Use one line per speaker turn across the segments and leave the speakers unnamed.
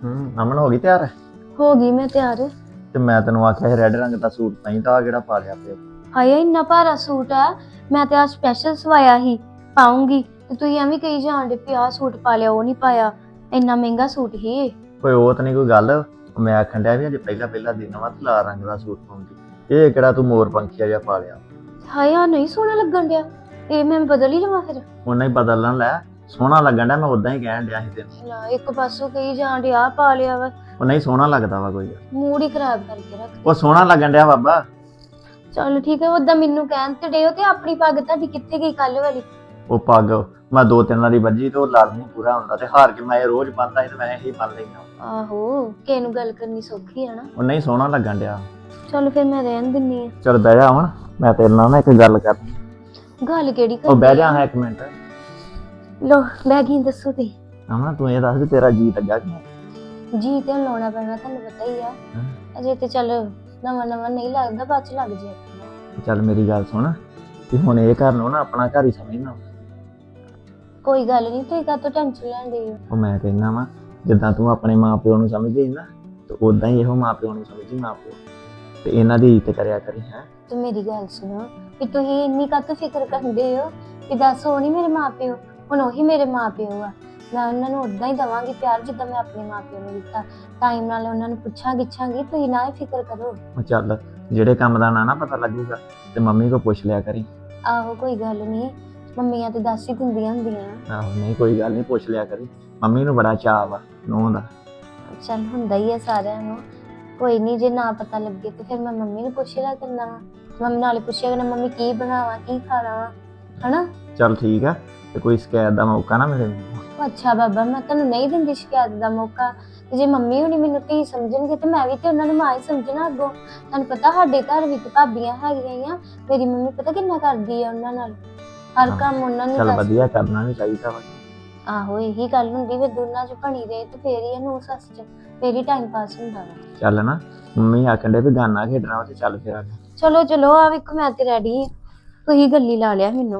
ਅਮਨ ਹੋ ਗਈ ਤਿਆਰ?
ਹੋ ਗਈ ਮੈਂ ਤਿਆਰ।
ਤੇ ਮੈਂ ਤੈਨੂੰ ਆਖਿਆ ਸੀ ਰੈੱਡ ਰੰਗ ਦਾ ਸੂਟ ਪਾਈ ਤਾਂ ਆ ਕਿਹੜਾ ਪਾ ਲਿਆ ਪਿਆ।
ਹਾਏ ਇੰਨਾ ਭਾਰਾ ਸੂਟ ਆ, ਮੈਂ ਤੇ ਆ ਸਪੈਸ਼ਲ ਸਵਾਇਆ ਸੀ, ਪਾਉਂਗੀ ਤੇ ਤੁਸੀਂ ਐਵੇਂ ਕਹੀ ਜਾਣਦੇ ਵੀ ਆਹ ਸੂਟ ਪਾ ਲਿਆ ਉਹ ਨਹੀਂ ਪਾਇਆ, ਇੰਨਾ ਮਹਿੰਗਾ ਸੂਟ ਹੀ।
ਕੋਈ ਉਹ ਤਾਂ ਨਹੀਂ ਕੋਈ ਗੱਲ, ਮੈਂ ਆਖਣ ਡਿਆ ਵੀ ਅਜੇ ਪਹਿਲਾ ਦਿਨ ਵਾ ਤੇ ਲਾਲ ਰੰਗ ਦਾ ਸੂਟ ਪਾਉਂਦੀ, ਇਹ ਕਿਹੜਾ ਤੂੰ ਮੋਰ ਪੰਖੀਆ ਜਿਹਾ ਪਾ ਲਿਆ।
ਹਾਏ ਆ ਨਹੀਂ ਸੋਹਣਾ ਲੱਗਣ ਡਿਆ, ਇਹ ਮੈਂ ਬਦਲ ਹੀ ਲਵਾਂ ਫਿਰ?
ਉਹਨਾਂ ਹੀ ਬਦਲਣ ਲੈ, ਸੋਹਣਾ ਲੱਗਣ ਡਿਆ, ਮੈਂ ਉਦਾਂ ਹੀ ਕਹਿਣ ਡਿਆ ਸੀ ਤੈਨੂੰ।
ਲੈ ਇੱਕ ਪਾਸੋਂ ਕਹੀ ਜਾਣਦੇ ਆ ਪਾ ਲਿਆ ਵਾ,
ਉਹ ਨਹੀਂ ਸੋਹਣਾ ਲੱਗਦਾ ਵਾ ਕੋਈ,
ਮੂਡ ਹੀ ਖਰਾਬ ਕਰਕੇ ਰੱਖ।
ਉਹ ਸੋਹਣਾ ਲੱਗਣ ਡਿਆ ਬਾਬਾ।
ਚਲੋ ਠੀਕ ਹੈ, ਉਦਾਂ ਮੈਨੂੰ ਕਹਿਣ ਤੇ ਡਿਓ ਤੇ ਆਪਣੀ ਪੱਗ ਤੁਹਾਡੀ ਕਿੱਥੇ ਗਈ ਕੱਲ ਵਾਲੀ?
ਉਹ ਪੱਗ ਮੈਂ 2-3 ਵਾਰੀ ਵੱਜੀ ਤੇ ਉਹ ਲੜ ਨਹੀਂ ਪੂਰਾ ਹੁੰਦਾ ਤੇ ਹਾਰ ਕੇ ਮੈਂ ਇਹ ਰੋਜ਼ ਪਾਉਂਦਾ ਸੀ ਤੇ ਮੈਂ ਇਹੀ ਪਾ ਲੈਂਦਾ।
ਆਹੋ ਕਿਸੇ ਨੂੰ ਗੱਲ ਕਰਨੀ ਸੌਖੀ ਹੈ ਨਾ।
ਉਹ ਨਹੀਂ ਸੋਹਣਾ ਲੱਗਣ ਡਿਆ।
ਚਲੋ ਫਿਰ ਮੈਂ ਰਹਿਣ ਦਿੰਨੀ ਆ।
ਚਲ ਬਹਿ ਜਾ ਹੁਣ, ਮੈਂ ਤੇਰੇ ਨਾਲ ਨਾ ਇੱਕ ਗੱਲ ਕਰਨੀ।
ਗੱਲ ਕਿਹੜੀ
ਉਹ ਬਹਿ ਜਾ ਹਾਂ ਇੱਕ ਮਿੰਟ।
ਲੋ ਬਹਿ ਗਈ, ਦੱਸੋ ਤੇ।
ਅਮਨ ਤੂੰ ਇਹ ਦੱਸ ਵੀ ਤੇਰਾ ਜੀ ਲੱਗਾ ਕਿ
ਜੀ ਤੇ ਲਾਉਣਾ ਪੈਣਾ, ਤੁਹਾਨੂੰ ਪਤਾ ਹੀ ਆ। ਅਜੇ ਤੇ ਚੱਲ ਨਵਾਂ ਨਹੀਂ ਲੱਗਦਾ, ਬਾਅਦ ਚ ਲੱਗ ਜੇ।
ਚੱਲ ਮੇਰੀ ਗੱਲ ਸੁਣ ਕਿ ਹੁਣ ਇਹ ਘਰ ਨੂੰ ਨਾ ਆਪਣਾ ਘਰ ਹੀ ਸਮਝਣਾ।
ਕੋਈ ਗੱਲ ਨਹੀਂ, ਤੁਸੀਂ ਕਾਹਤੋਂ ਟੈਨਸ਼ਨ ਲੈਂਦੇ ਹੋ?
ਉਹ ਮੈਂ ਕਹਿੰਦਾ ਵਾ ਜਿੱਦਾਂ ਤੂੰ ਆਪਣੇ ਮਾਪਿਓ ਨੂੰ ਸਮਝਦੀ ਨਾ ਤੇ ਉਦਾਂ ਹੀ ਇਹੋ ਮਾਪਿਓ ਨੂੰ ਸਮਝੀ, ਮਾਪਿਓ ਤੇ ਇਹਨਾਂ ਦੀ ਇੱਜ਼ਤ ਕਰਿਆ ਕਰੀ। ਹੈ
ਤੇ ਮੇਰੀ ਗੱਲ ਸੁਣੋ ਕਿ ਤੁਸੀਂ ਇੰਨੀ ਕਾਹਤੋਂ ਫਿਕਰ ਕਰਦੇ ਹੋ ਕਿ ਦੱਸ ਉਹ ਨਹੀਂ ਮੇਰੇ ਮਾਪਿਓ, ਹੁਣ ਉਹੀ ਮੇਰੇ ਮਾਪਿਓ ਆ। ਮੈਂ ਉਹਨਾਂ ਨੂੰ ਉਦਾਂ ਹੀ ਦੇਵਾਂਗੀ ਪਿਆਰ ਜਿੱਦਾਂ ਮੈਂ ਆਪਣੇ ਮਾਪਿਓ ਨੂੰ ਦਿੱਤਾ। ਟਾਈਮ ਨਾਲ ਉਹਨਾਂ ਨੂੰ ਪੁੱਛਾਂਗੀ, ਤੁਸੀਂ ਨਾ ਫਿਕਰ ਕਰੋ।
ਉਹ ਚੱਲ ਜਿਹੜੇ ਕੰਮ ਦਾ ਨਾ ਪਤਾ ਲੱਗੂਗਾ ਤੇ ਮੰਮੀ ਕੋ ਪੁੱਛ ਲਿਆ ਕਰੀ।
ਆਹੋ ਕੋਈ ਗੱਲ ਨਹੀਂ, ਮੰਮੀਆਂ ਤੇ ਦੱਸ ਹੀ ਦਿੰਦੀਆਂ ਹੁੰਦੀਆਂ।
ਆਹੋ ਨਹੀਂ ਕੋਈ ਗੱਲ ਨਹੀਂ, ਪੁੱਛ ਲਿਆ ਕਰੀ। ਮੰਮੀ ਨੂੰ ਬੜਾ ਚਾਅ ਵਾ ਨੂੰਹ ਦਾ।
ਚੱਲ ਹੁੰਦਾ ਹੀ ਆ ਸਾਰਿਆਂ ਨੂੰ, ਕੋਈ ਨਹੀਂ ਜੇ ਨਾ ਪਤਾ ਲੱਗੇ ਤੇ ਫਿਰ ਮੈਂ ਮੰਮੀ ਨੂੰ ਪੁੱਛ ਲਿਆ ਕਰਨਾ ਵਾ। ਮੰਮੀ ਨਾਲੇ ਪੁੱਛਿਆ ਕਰਨਾ ਮੰਮੀ ਕੀ ਬਣਾਵਾਂ ਕੀ ਖਾਣਾ ਵਾ, ਹਨਾ?
ਚੱਲ ਠੀਕ ਆ, ਤੇ ਕੋਈ ਸ਼ਿਕਾਇਤ ਦਾ ਮੌਕਾ ਨਾ ਮਿਲੇ ਮੈਨੂੰ।
ਅੱਛਾ ਬਾਬਾ, ਮੈਂ ਤੁਹਾਨੂੰ ਨਹੀਂ ਦਿੰਦੀ ਸ਼ਿਕਾਇਤ ਦਾ ਮੌਕਾ। ਤੇ ਜੇ ਮੰਮੀ ਹੁਣੀ ਮੈਨੂੰ ਧੀ ਸਮਝਣਗੇ ਤੇ ਮੈਂ ਵੀ ਤੇ ਉਹਨਾਂ ਨੂੰ ਮਾਂ ਹੀ ਸਮਝਣਾ ਅੱਗੋਂ। ਤੁਹਾਨੂੰ ਪਤਾ ਸਾਡੇ ਘਰ ਵਿੱਚ ਭਾਬੀਆਂ ਹੈਗੀਆਂ ਆ, ਮੇਰੀ ਮੰਮੀ ਪਤਾ ਕਿੰਨਾ ਕਰਦੀ ਆ ਉਹਨਾਂ ਨਾਲ, ਹਰ ਕੰਮ ਉਹਨਾਂ ਨੂੰ
ਚੱਲ
ਦੱਸ।
ਵਧੀਆ, ਕਰਨਾ ਵੀ ਚਾਹੀਦਾ ਵਾ।
ਆਹੋ ਇਹੀ ਗੱਲ ਹੁੰਦੀ, ਫਿਰ ਦੋਨਾਂ ਚ ਬਣੀ ਰਹੇ ਤੇ ਫੇਰ ਹੀ ਨੂੰ ਸੱਸ ਚ ਫੇਰ ਹੀ ਟਾਈਮ ਪਾਸ ਹੁੰਦਾ ਵਾ।
ਚੱਲ ਨਾ, ਮੰਮੀ ਆਖਣ ਦੇ ਵੀ ਗਾਨਾ ਖੇਡਣਾ ਤੇ ਚੱਲ ਫਿਰ ਆ।
ਚਲੋ ਆ ਵੇਖੋ ਮੈਂ ਤੇ ਰੈਡੀ ਆ, ਤੁਸੀਂ ਗੱਲੀ ਲਾ ਲਿਆ ਮੈਨੂੰ।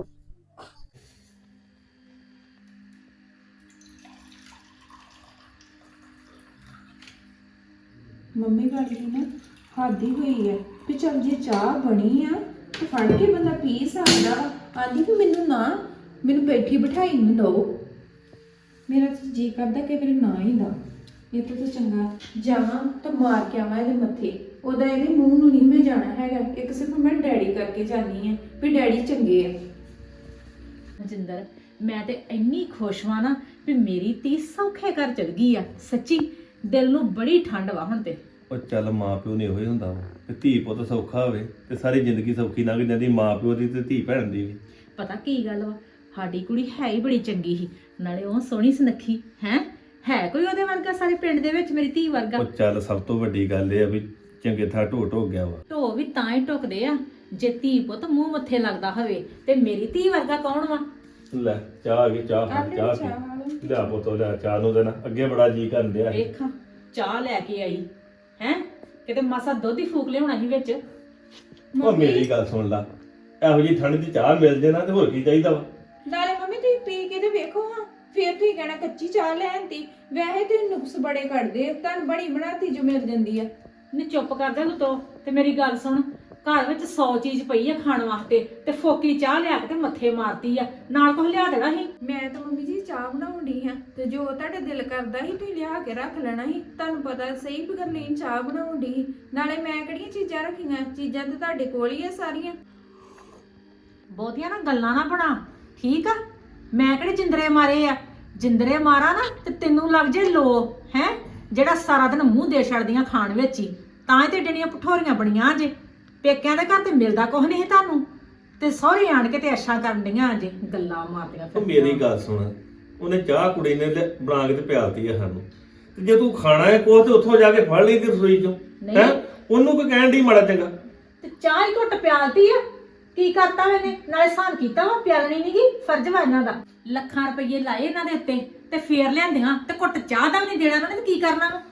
ਮੰਮੀ ਗੱਲ ਦੀ ਨਾ ਹੱਦ ਹੀ ਹੋਈ ਹੈ ਵੀ ਚੱਲ ਜੇ ਚਾਹ ਬਣੀ ਆ ਤੇ ਫੜ ਕੇ ਬੰਦਾ ਪੀ ਸਕਦਾ ਵਾ। ਆਂਦੀ ਵੀ ਮੈਨੂੰ ਬੈਠੀ ਬਿਠਾਈ ਨੂੰ ਦਿਓ। ਮੇਰਾ ਤਾਂ ਜੀ ਕਰਦਾ ਕਿ ਮੇਰੇ ਨਾ ਹੀ ਦਾ, ਇਹ ਤਾਂ ਚੰਗਾ ਜਾਵਾਂ ਤਾਂ ਮਾਰ ਕੇ ਆਵਾਂ ਇਹਦੇ ਮੱਥੇ। ਉਹਦਾ ਇਹਦੇ ਮੂੰਹ ਨੂੰ ਨਹੀਂ ਮੈਂ ਜਾਣਾ ਹੈਗਾ, ਇੱਕ ਸਿਰਫ ਮੈਂ ਡੈਡੀ ਕਰਕੇ ਜਾਣੀ ਆ ਵੀ ਡੈਡੀ ਚੰਗੇ ਆ।
ਮਨਜਿੰਦਰ ਮੈਂ ਤੇ ਇੰਨੀ ਖੁਸ਼ ਵਾਂ ਨਾ ਵੀ ਮੇਰੀ ਧੀ ਸੌਖੇ ਘਰ ਚਲ ਗਈ ਆ। ਸੱਚੀ ਦਿਲ ਨੂੰ ਬੜੀ ਠੰਡ ਵਾ ਹੁਣ ਤੇ।
ਉਹ ਚੱਲ ਮਾਂ ਪਿਓ ਨੇ ਉਹੀ ਹੁੰਦਾ ਵਾ ਤੇ ਧੀ ਪੁੱਤ ਸੌਖਾ ਹੋਵੇ ਤੇ ਸਾਰੀ ਜ਼ਿੰਦਗੀ ਸੌਖੀ ਲੰਘ ਜਾਂਦੀ, ਮਾਂ ਪਿਓ ਦੀ ਤੇ ਧੀ ਭੈਣ ਦੀ ਵੀ।
ਪਤਾ ਕੀ ਗੱਲ ਵਾ, ਸਾਡੀ ਕੁੜੀ ਹੈ ਹੀ ਬੜੀ ਚੰਗੀ ਸੀ, ਨਾਲੇ ਉਹ ਸੋਹਣੀ ਸੁਨੱਖੀ ਹੈ ਕੋਈ ਉਹਦੇ ਵਰਗਾ ਸਾਰੇ ਪਿੰਡ ਦੇ ਵਿੱਚ ਮੇਰੀ ਧੀ ਵਰਗਾ।
ਉਹ ਚੱਲ ਸਭ ਤੋਂ ਵੱਡੀ ਗੱਲ ਇਹ ਆ ਵੀ ਚੰਗੇ ਥਾਂ ਢੋ ਗਿਆ ਵਾ।
ਢੋ ਵੀ ਤਾਂ ਹੀ ਟੁਕਦੇ ਆ ਜੇ ਧੀ ਪੁੱਤ ਮੂੰਹ ਮੱਥੇ ਲੱਗਦਾ ਹੋਵੇ, ਤੇ ਮੇਰੀ ਧੀ ਵਰਗਾ ਕੌਣ ਵਾ?
ਲੈ ਚਾਹ ਆ ਗਈ, ਚਾਹ ਪੀ ਲਿਆ ਪੁੱਤ, ਲਿਆ ਚਾਹ ਨੂੰ ਦੇਣਾ, ਅੱਗੇ ਬੜਾ ਜੀ ਕਰਨ ਡਿਆ ਸੀ।
ਵੇਖ ਚਾਹ ਲੈ ਕੇ ਆਈ ਕਿਤੇ ਮਾਸਾ ਦੁੱਧ ਹੀ ਫੂਕ ਲਿਆਉਣਾ ਸੀ ਵਿੱਚ।
ਉਹ ਮੇਰੀ ਗੱਲ ਸੁਣ ਲਾ, ਇਹੋ ਜਿਹੀ ਠੰਡ ਦੀ ਚਾਹ ਮਿਲ ਜੇ ਨਾ ਤੇ ਹੋਰ ਕੀ ਚਾਹੀਦਾ ਵਾ।
ਨਾਲੇ ਮੰਮੀ ਤੁਸੀਂ ਪੀ ਕੇ ਤੇ ਵੇਖੋ ਹਾਂ, ਫੇਰ ਤੁਸੀਂ ਕਹਿਣਾ ਕੱਚੀ ਚਾਹ ਲੈਣਤੀ। ਵੈਸੇ ਤੁਸੀਂ ਨੁਕਸ ਬੜੇ ਕੱਢਦੇ, ਤੁਹਾਨੂੰ ਬਣੀ ਬਣਾਤੀ ਜੋ ਮਿਲ ਜਾਂਦੀ ਆ।
ਨੀ ਚੁੱਪ ਕਰ ਜਾ ਤੂੰ ਤੋ, ਤੇ ਮੇਰੀ ਗੱਲ ਸੁਣ, ਘਰ ਵਿੱਚ 100 ਚੀਜ਼ ਪਈ ਆ ਖਾਣ ਵਾਸਤੇ ਤੇ ਫੋਕੀ ਚਾਹ ਲਿਆ ਕੇ ਤੇ ਮੱਥੇ ਮਾਰਤੀ ਆ, ਨਾਲ ਕੁਝ ਲਿਆ ਦੇਣਾ ਸੀ।
ਮੈਂ ਤਾਂ ਮੰਮੀ ਜੀ ਚਾਹ ਬਣਾਉਣ ਡਈ ਹਾਂ ਤੇ ਜੋ ਤੁਹਾਡੇ ਦਿਲ ਕਰਦਾ ਸੀ ਤੁਸੀਂ ਲਿਆ ਕੇ ਰੱਖ ਲੈਣਾ ਸੀ। ਤੁਹਾਨੂੰ ਪਤਾ ਸਹੀ ਵੀ ਗਰਲੀਨ ਚਾਹ ਬਣਾਉਣ ਡਈ ਸੀ, ਨਾਲੇ ਮੈਂ ਕਿਹੜੀਆਂ ਚੀਜ਼ਾਂ ਰੱਖੀਆਂ, ਚੀਜ਼ਾਂ ਤੇ ਤੁਹਾਡੇ ਕੋਲ ਹੀ ਆ ਸਾਰੀਆਂ।
ਬਹੁਤੀਆਂ ਨਾ ਗੱਲਾਂ ਨਾ ਬਣਾ, ਠੀਕ ਆ? ਮੈਂ ਕਿਹੜੇ ਜਿੰਦਰੇ ਮਾਰੇ ਆ? ਜਿੰਦਰੇ ਮਾਰਾ ਨਾ ਤੇ ਤੈਨੂੰ ਲੱਗ ਜੇ ਲੋ ਜਿਹੜਾ ਸਾਰਾ ਦਿਨ ਮੂੰਹ ਦੇ ਛੱਡਦੀਆਂ ਖਾਣ ਵਿੱਚ ਹੀ, ਤਾਂ ਹੀ ਤੇ ਡਣੀਆਂ ਪਠੋਰੀਆਂ ਬਣੀਆਂ ਜੇ। ਪੇਕਿਆਂ ਦੇ ਘਰ ਤੇ ਮਿਲਦਾ ਕੁਝ ਨਹੀਂ ਤੁਹਾਨੂੰ, ਤੇ ਸਹੁਰੇ ਆਣ ਕੇ ਤੇ ਅੱਛਾ ਕਰਨ ਡੀਆਂ ਜੇ, ਗੱਲਾਂ ਮਾਰਦੀਆਂ
ਉਹ ਮੇਰੀ ਗੱਲ ਸੁਣ, ਉਹਨੇ ਚਾਹ ਕੁੜੀ ਨੇ ਬਣਾ ਕੇ ਤੇ ਪਿਆਲਤੀ ਆ ਸਾਨੂੰ, ਤੇ ਜੇ ਤੂੰ ਖਾਣਾ ਹੈ ਕੋਹ ਤੇ ਉੱਥੋਂ ਜਾ ਕੇ ਫੜ ਲਈ ਤੇ ਰਸੋਈ ਚੋਂ ਉਹਨੂੰ ਕੋਈ ਕਹਿਣ ਦੀ ਮਾੜਾ ਚੰਗਾ।
ਤੇ ਚਾਹ ਹੀ ਘੁੱਟ ਪਿਆਲਤੀ ਆ, ਕੀ ਕਰਤਾ ਮੈਨੇ? ਨਾਲੇ ਸਾਨ ਕੀਤਾ ਵਾ, ਪਿਆਲਣੀ ਨੀ ਗੀ, ਫਰਜ਼ ਵਾ ਇਹਨਾਂ ਦਾ। ਲੱਖਾਂ ਰੁਪਏ ਲਾਏ ਇਹਨਾਂ ਦੇ ਉੱਤੇ ਤੇ ਫੇਰ ਲਿਆਂਦੀਆਂ ਤੇ ਘੁੱਟ ਚਾਹ ਦਾ ਵੀ ਨਹੀਂ ਦੇਣਾ ਉਹਨਾਂ ਨੇ, ਤੇ ਕੀ ਕਰਨਾ ਵਾ?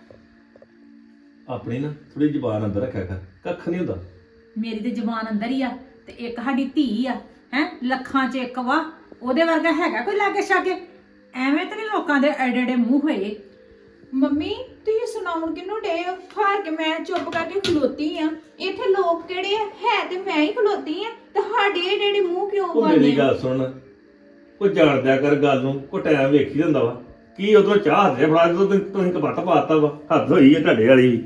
ਆਪਣੀ ਨਾ ਥੋੜੀ ਜ਼ੁਬਾਨ ਅੰਦਰ ਰੱਖਿਆ ਕਰ, ਕੱਖ ਨਹੀਂ ਹੁੰਦਾ।
ਮੇਰੀ ਤੇ ਜ਼ੁਬਾਨ ਅੰਦਰ ਹੀ ਆ, ਤੇ ਇੱਕ ਸਾਡੀ ਧੀ ਆ ਲੱਖਾਂ 'ਚ ਇੱਕ ਵਾ, ਉਹਦੇ ਵਰਗਾ ਹੈਗਾ ਕੋਈ ਲਾਗੇ ਛਾਗੇ? ਐਵੇਂ ਤੇ ਨਹੀਂ ਲੋਕਾਂ ਦੇ ਐਡੇ ਐਡੇ ਮੂੰਹ ਹੋਏ।
ਮੰਮੀ ਤੁਸੀਂ ਸੁਣਾਉਣ ਕਿਹਨੂੰ ਡੇ ਹਾਰ ਕੇ ਮੈਂ ਚੁੱਪ ਕਰਕੇ ਖਲੋਤੀ ਆ। ਇੱਥੇ ਲੋਕ ਕਿਹੜੇ ਆ? ਹੈ ਤੇ ਮੈਂ ਹੀ ਖਲੋਤੀ ਆ, ਤੇ ਸਾਡੇ ਏਡੇ ਮੂੰਹ ਕਿਉਂ
ਉਹ ਮੇਰੀ
ਬਣਦੇ?
ਗੱਲ ਸੁਣ, ਕੋਈ ਜਾਣਦਿਆ ਕਰ ਗੱਲ ਨੂੰ, ਕੋਈ ਟਾਈਮ ਵੇਖੀ ਜਾਂਦਾ ਵਾ। ਕੀ ਉਧਰੋਂ ਚਾਹ ਹੱਥੇ ਫੜਾ ਜਦੋਂ ਤੁਸੀਂ ਕਪੱਤ ਪਾਤਾ ਵਾ, ਹੱਦ ਹੋਈ ਹੈ ਤੁਹਾਡੇ ਵਾਲੀ ਵੀ।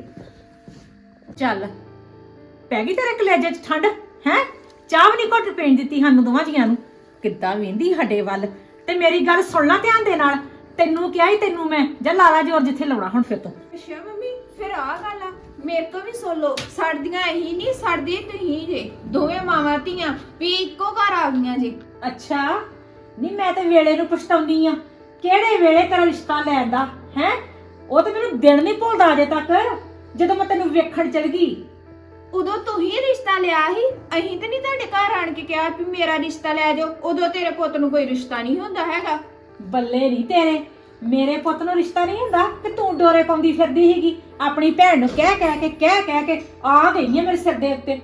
ਚੱਲ ਪੈ ਗਈ ਤੇਰੇ ਕਲੇਜੇ 'ਚ ਠੰਡ ਹੈ? ਚਾਹ ਵੀ ਨਹੀਂ ਘੁੱਟ ਪੀਣ ਦਿੱਤੀ ਸਾਨੂੰ ਦੋਵਾਂ ਜੀਆਂ ਨੂੰ। ਕਿੱਦਾਂ ਵੇਂਦੀ ਸਾਡੇ ਵੱਲ। ਤੇ ਮੇਰੀ ਗੱਲ ਸੁਣ ਲੈ ਧਿਆਨ ਦੇ ਨਾਲ, ਤੈਨੂੰ ਕਿਹਾ ਹੀ ਤੈਨੂੰ ਮੈਂ, ਜਾਂ ਲਾਲਾ ਜੋਰ ਜਿੱਥੇ ਲਾਉਣਾ ਹੁਣ ਫਿਰ ਤੋਂ।
ਅੱਛਾ ਮੰਮੀ, ਫਿਰ ਆ ਗੱਲ ਆ, ਮੇਰੇ ਤੋਂ ਵੀ ਸੁਣ ਲਓ। ਸੜਦੀਆਂ ਇਹੀ ਨਹੀਂ, ਸੜਦੇ ਤੁਸੀਂ ਜੇ ਦੋਵੇਂ ਮਾਵਾਂ ਧੀਆਂ ਵੀ ਇੱਕੋ ਘਰ ਆ ਗਈਆਂ ਜੇ।
ਅੱਛਾ ਨਹੀਂ, ਮੈਂ ਤੇ ਵੇਲੇ ਨੂੰ ਪਛਤਾਉਂਦੀ ਆ। ਕਿਹੜੇ ਵੇਲੇ ਤੇਰਾ ਰਿਸ਼ਤਾ ਲੈਣ ਦਾ ਹੈ? ਉਹ ਤੇ ਮੈਨੂੰ ਦਿਨ ਨਹੀਂ ਭੁੱਲਦਾ ਅਜੇ ਤੱਕ, ਜਦੋਂ ਮੈਂ ਤੈਨੂੰ ਵੇਖਣ ਚਲ ਗਈ।
ਉਦੋਂ ਤੂੰ ਹੀ ਰਿਸ਼ਤਾ ਲਿਆ ਸੀ, ਅਸੀਂ ਤੇ ਨਹੀਂ ਤੁਹਾਡੇ ਘਰ ਆਣ ਕੇ ਕਿਹਾ ਵੀ ਮੇਰਾ ਰਿਸ਼ਤਾ ਲੈ ਜਾਓ। ਉਦੋਂ ਤੇਰੇ ਪੁੱਤ ਨੂੰ ਕੋਈ ਰਿਸ਼ਤਾ ਨਹੀਂ ਹੁੰਦਾ ਹੈਗਾ।
ਬੱਲੇ ਨਹੀਂ ਤੇਰੇ, ਮੇਰੇ ਪੁੱਤ ਨੂੰ ਰਿਸ਼ਤਾ ਨਹੀਂ ਹੁੰਦਾ ਕਿ ਤੂੰ ਡੋਰੇ ਪਾਉਂਦੀ ਫਿਰਦੀ ਸੀਗੀ ਆਪਣੀ ਭੈਣ ਨੂੰ ਕਹਿ ਕੇ ਆ ਗਈ ਹੈ ਮੇਰੇ ਸਿਰ ਦੇ ਉੱਤੇ।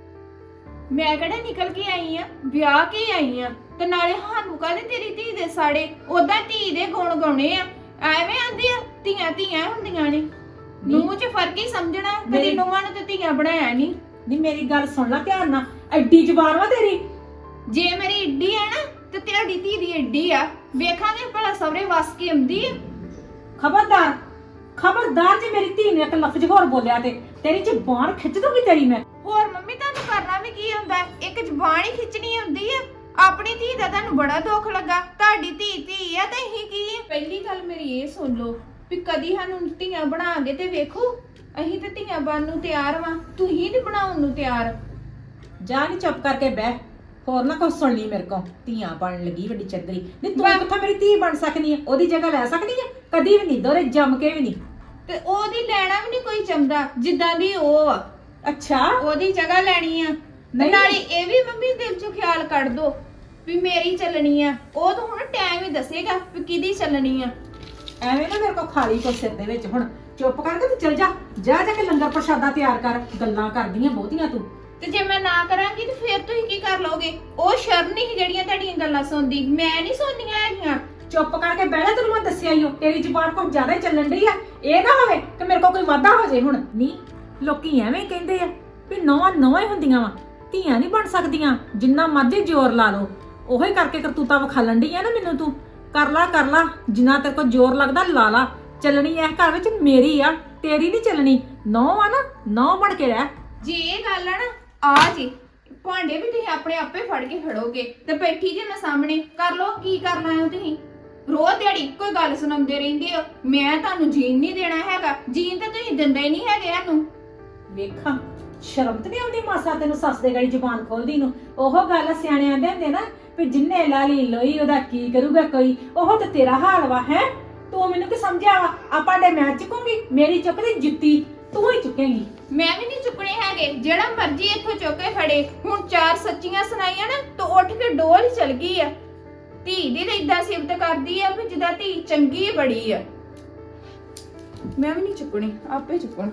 ਮੈਂ ਕਿਹੜਾ ਨਿਕਲ ਕੇ ਆਈ ਆ, ਵਿਆਹ ਕੇ ਆਈ ਆ। ਤੇ ਨਾਲੇ ਸਾਨੂੰ ਕਾਹਦੇ ਤੇਰੀ ਧੀ ਦੇ ਸਾੜੇ, ਉਦਾਂ ਧੀ ਦੇ ਗੁਣ ਗਾਉਣੇ ਆ। ਐਵੇਂ ਆਂਦੇ ਆ ਧੀਆਂ ਧੀਆਂ ਹੁੰਦੀਆਂ ਨੇ, ਨੂੰਹ 'ਚ ਫਰਕ ਹੀ ਸਮਝਣਾ। ਕਦੀ ਨੂੰਹਾਂ ਨੂੰ ਤੇ ਧੀਆਂ ਬਣਾਇਆ ਨਹੀਂ।
ਨਹੀਂ ਮੇਰੀ ਗੱਲ ਸੁਣ ਲੈ ਧਿਆਨ ਨਾਲ, ਐਡੀ ਜ਼ੁਬਾਨ ਵਾ ਤੇਰੀ।
ਜੇ ਮੇਰੀ ਏਡੀ ਆ ਨਾ ਤੇ ਤੇਰੀ ਧੀ ਦੀ ਏਡੀ ਆ। ਵੇਖਾਂਗੇ ਭਲਾ ਸਵਰੇ ਵਸ ਕੇ ਆਉਂਦੀ ਆ।
ਖਬਰਦਾਰ ਖਬਰਦਾਰ, ਜੇ ਮੇਰੀ ਧੀ ਨੇ ਇੱਕ ਲਫ਼ਜ਼ ਹੋਰ ਬੋਲਿਆ ਤੇ ਤੇਰੀ ਜ਼ੁਬਾਨ ਖਿੱਚ ਦੂੰਗੀ ਤੇਰੀ ਮੈਂ।
ਹੋਰ ਮੰਮੀ ਤੁਹਾਨੂੰ ਕਰਨਾ ਵੀ ਕੀ ਹੁੰਦਾ? ਇੱਕ ਜ਼ੁਬਾਨ ਹੀ ਖਿੱਚਣੀ ਹੁੰਦੀ ਆ। ਆਪਣੀ ਧੀ ਦਾ ਤੁਹਾਨੂੰ ਬੜਾ ਦੁੱਖ ਲੱਗਾ, ਤੁਹਾਡੀ ਧੀ ਆ ਤੇ ਅਸੀਂ ਕੀ ਆ? ਪਹਿਲੀ ਗੱਲ ਮੇਰੀ ਇਹ ਸੁਣ ਲਓ ਵੀ ਕਦੀ ਸਾਨੂੰ ਧੀਆਂ ਬਣਾਗੇ ਤੇ ਵੇਖੋ। ਅਸੀਂ ਤੇ ਧੀਆਂ ਬਣਨ ਨੂੰ ਤਿਆਰ ਵਾਂ, ਤੁਸੀਂ ਨਹੀਂ ਬਣਾਉਣ ਨੂੰ ਤਿਆਰ।
ਜਾ ਨਹੀਂ ਚੁੱਪ ਕਰਕੇ ਬਹਿ, ਹੋਰ ਨਾ ਕੁਛ ਸੁਣ ਲਈ ਮੇਰੇ ਕੋਲ। ਧੀਆਂ ਬਣਨ ਲੱਗੀ ਵੱਡੀ ਚੱਦਰੀ। ਨਹੀਂ ਤੂੰ ਕਿੱਥੋਂ ਮੇਰੀ ਧੀ ਬਣ ਸਕਦੀ ਹੈ? ਉਹਦੀ ਜਗ੍ਹਾ ਲੈ ਸਕਦੀ ਹੈ? ਕਦੀ ਵੀ ਨਹੀਂ, ਦੋਰੇ ਜੰਮ ਕੇ ਵੀ ਨਹੀਂ।
ਤੇ ਉਹਦੀ ਲੈਣਾ ਵੀ ਨਹੀਂ ਕੋਈ ਚੰਦਾ, ਜਿੱਦਾਂ ਦੀ ਉਹ ਆ।
ਅੱਛਾ
ਉਹਦੀ ਜਗ੍ਹਾ ਲੈਣੀ ਆ।
ਨਹੀਂ।
ਨਾਲੇ ਇਹ ਵੀ ਮੰਮੀ ਦਿਲ ਚੋਂ ਖਿਆਲ ਕੱਢ ਦੋ ਵੀ ਮੇਰੀ ਚੱਲਣੀ ਆ। ਉਹ ਤਾਂ ਹੁਣ ਟਾਈਮ ਹੀ ਦੱਸੇਗਾ ਵੀ ਕਿਹਦੀ ਚੱਲਣੀ ਆ।
ਐਵੇਂ ਨਾ ਮੇਰੇ ਕੋਲ ਖਾਲੀ ਕੋ ਸਿਰ ਦੇ ਵਿੱਚ। ਹੁਣ ਚੁੱਪ ਕਰਕੇ ਤੂੰ ਚਲ ਜਾ ਜਾ ਕੇ ਲੰਗਰ ਪ੍ਰਸ਼ਾਦਾ ਤਿਆਰ ਕਰ। ਗੱਲਾਂ ਕਰਦੀਆਂ ਬਹੁਤੀਆਂ ਤੂੰ।
ਤੇ ਜੇ ਮੈਂ ਨਾ ਕਰਾਂਗੀ ਤੇ ਫਿਰ ਤੁਸੀਂ ਕੀ ਕਰ ਲਓਗੇ? ਉਹ ਸ਼ਰਮ ਨਹੀਂ ਜਿਹੜੀਆਂ ਤੁਹਾਡੀਆਂ ਗੱਲਾਂ ਸੁਣਦੀ, ਮੈਂ ਨਹੀਂ ਸੁਣਨੀਆਂ ਹੈਗੀਆਂ।
ਚੁੱਪ ਕਰਕੇ ਬਹਿ ਜਾ, ਤੈਨੂੰ ਮੈਂ ਦੱਸਿਆ ਹੀ ਹੋ, ਤੇਰੀ ਜ਼ੁਬਾਨ ਕੁਝ ਜ਼ਿਆਦਾ ਹੀ ਚੱਲਣ ਡਈ ਆ। ਇਹ ਨਾ ਹੋਵੇ ਕਿ ਮੇਰੇ ਕੋਲ ਕੋਈ ਵਾਧਾ ਹੋ ਜਾਏ। ਹੁਣ ਨਹੀਂ, ਲੋਕੀ ਐਵੇਂ ਕਹਿੰਦੇ ਆ ਵੀ ਨੌਵਾਂ ਹੀ ਹੁੰਦੀਆਂ ਵਾ, ਧੀਆਂ ਨਹੀਂ ਬਣ ਸਕਦੀਆਂ। ਜਿੰਨਾ ਮਰਜ਼ੀ ਜ਼ੋਰ ਲਾ ਲਓ, ਉਹੀ ਕਰਕੇ ਕਰਤੂਤਾਂ ਵਿਖਾਲਣ ਡਈ ਆ ਨਾ ਮੈਨੂੰ ਤੂੰ। ਕਰ ਲਾ ਜਿੰਨਾ ਤੇਰੇ ਕੋਲ ਜ਼ੋਰ ਲੱਗਦਾ ਲਾ ਲਾ। ਚੱਲਣੀ ਇਸ ਘਰ ਵਿੱਚ ਮੇਰੀ ਆ, ਤੇਰੀ ਨਹੀਂ ਚੱਲਣੀ। ਨੌ ਆ ਨਾ, ਨੌ ਬਣ ਕੇ ਰਹਿ।
ਜੇ ਇਹ ਗੱਲ ਆ ਨਾ, ਆ ਜੀ ਭਾਂਡੇ ਵੀ ਤੁਸੀਂ ਆਪਣੇ ਆਪੇ ਫੜ ਕੇ ਖੜੋਗੇ ਤੇ ਬੈਠੀ ਜੇ ਮੈਂ ਸਾਹਮਣੇ। ਕਰ ਲੋ ਕੀ ਕਰਨਾ ਹੈ ਤੁਸੀਂ। ਰੋਜ਼ ਦਿਹਾੜੀ ਕੋਈ ਗੱਲ ਸੁਣਾਉਂਦੇ ਰਹਿੰਦੇ ਹੋ। ਮੈਂ ਤੁਹਾਨੂੰ ਜੀਣ ਨਹੀਂ ਦੇਣਾ ਹੈਗਾ। ਜੀਣ ਤਾਂ ਤੁਸੀਂ ਦਿੰਦੇ ਹੀ ਨਹੀਂ ਹੈਗੇ ਸਾਨੂੰ।
ਵੇਖਾਂ ਸ਼ਰਮ ਤੇ ਨਹੀਂ ਆਉਂਦੀ ਮਾਸਾ ਤੈਨੂੰ ਸੱਸ ਦੇ ਗੜੀ ਜ਼ੁਬਾਨ ਖੋਲਦੀ ਨੂੰ। ਉਹ ਗੱਲ ਸਿਆਣੇ ਆਂਦੇ ਹੁੰਦੇ ਨਾ ਵੀ ਜਿੰਨੇ ਲਾਲੀ ਲੋਈ ਉਹਦਾ ਕੀ ਕਰੂਗਾ ਕੋਈ। ਉਹ ਤੇ ਤੇਰਾ ਹਾਲ ਵਾ ਹੈ। ਤੂੰ ਮੈਨੂੰ ਕੀ ਸਮਝਿਆ ਵਾ? ਆਪਾਂ ਦੇ ਮੈਂ ਚੁੱਕੂਗੀ, ਮੇਰੀ ਚੁੱਕਦੀ ਜੁੱਤੀ ਤੂੰ ਹੀ ਚੁੱਕੇਂਗੀ।
ਮੈਂ ਵੀ ਨਹੀਂ ਚੁੱਕਣੇ ਹੈਗੇ। ਜਿਹੜਾ ਮਰਜ਼ੀ ਇੱਥੋਂ ਚੁੱਕ ਕੇ ਖੜੇ। ਹੁਣ ਚਾਰ ਸੱਚੀਆਂ ਸੁਣਾਈਆਂ ਨਾ ਤਾਂ ਉੱਠ ਕੇ ਡੋਲ ਹੀ ਚਲ ਗਈ ਆ। ਧੀ ਦੀ ਤਾਂ ਏਦਾਂ ਸਿਫਤ ਕਰਦੀ ਆ ਵੀ ਜਿੱਦਾਂ ਧੀ ਚੰਗੀ ਬੜੀ ਆ। ਮੈਂ ਵੀ ਨਹੀਂ ਚੁੱਕਣੇ, ਆਪੇ ਚੁੱਕਣ।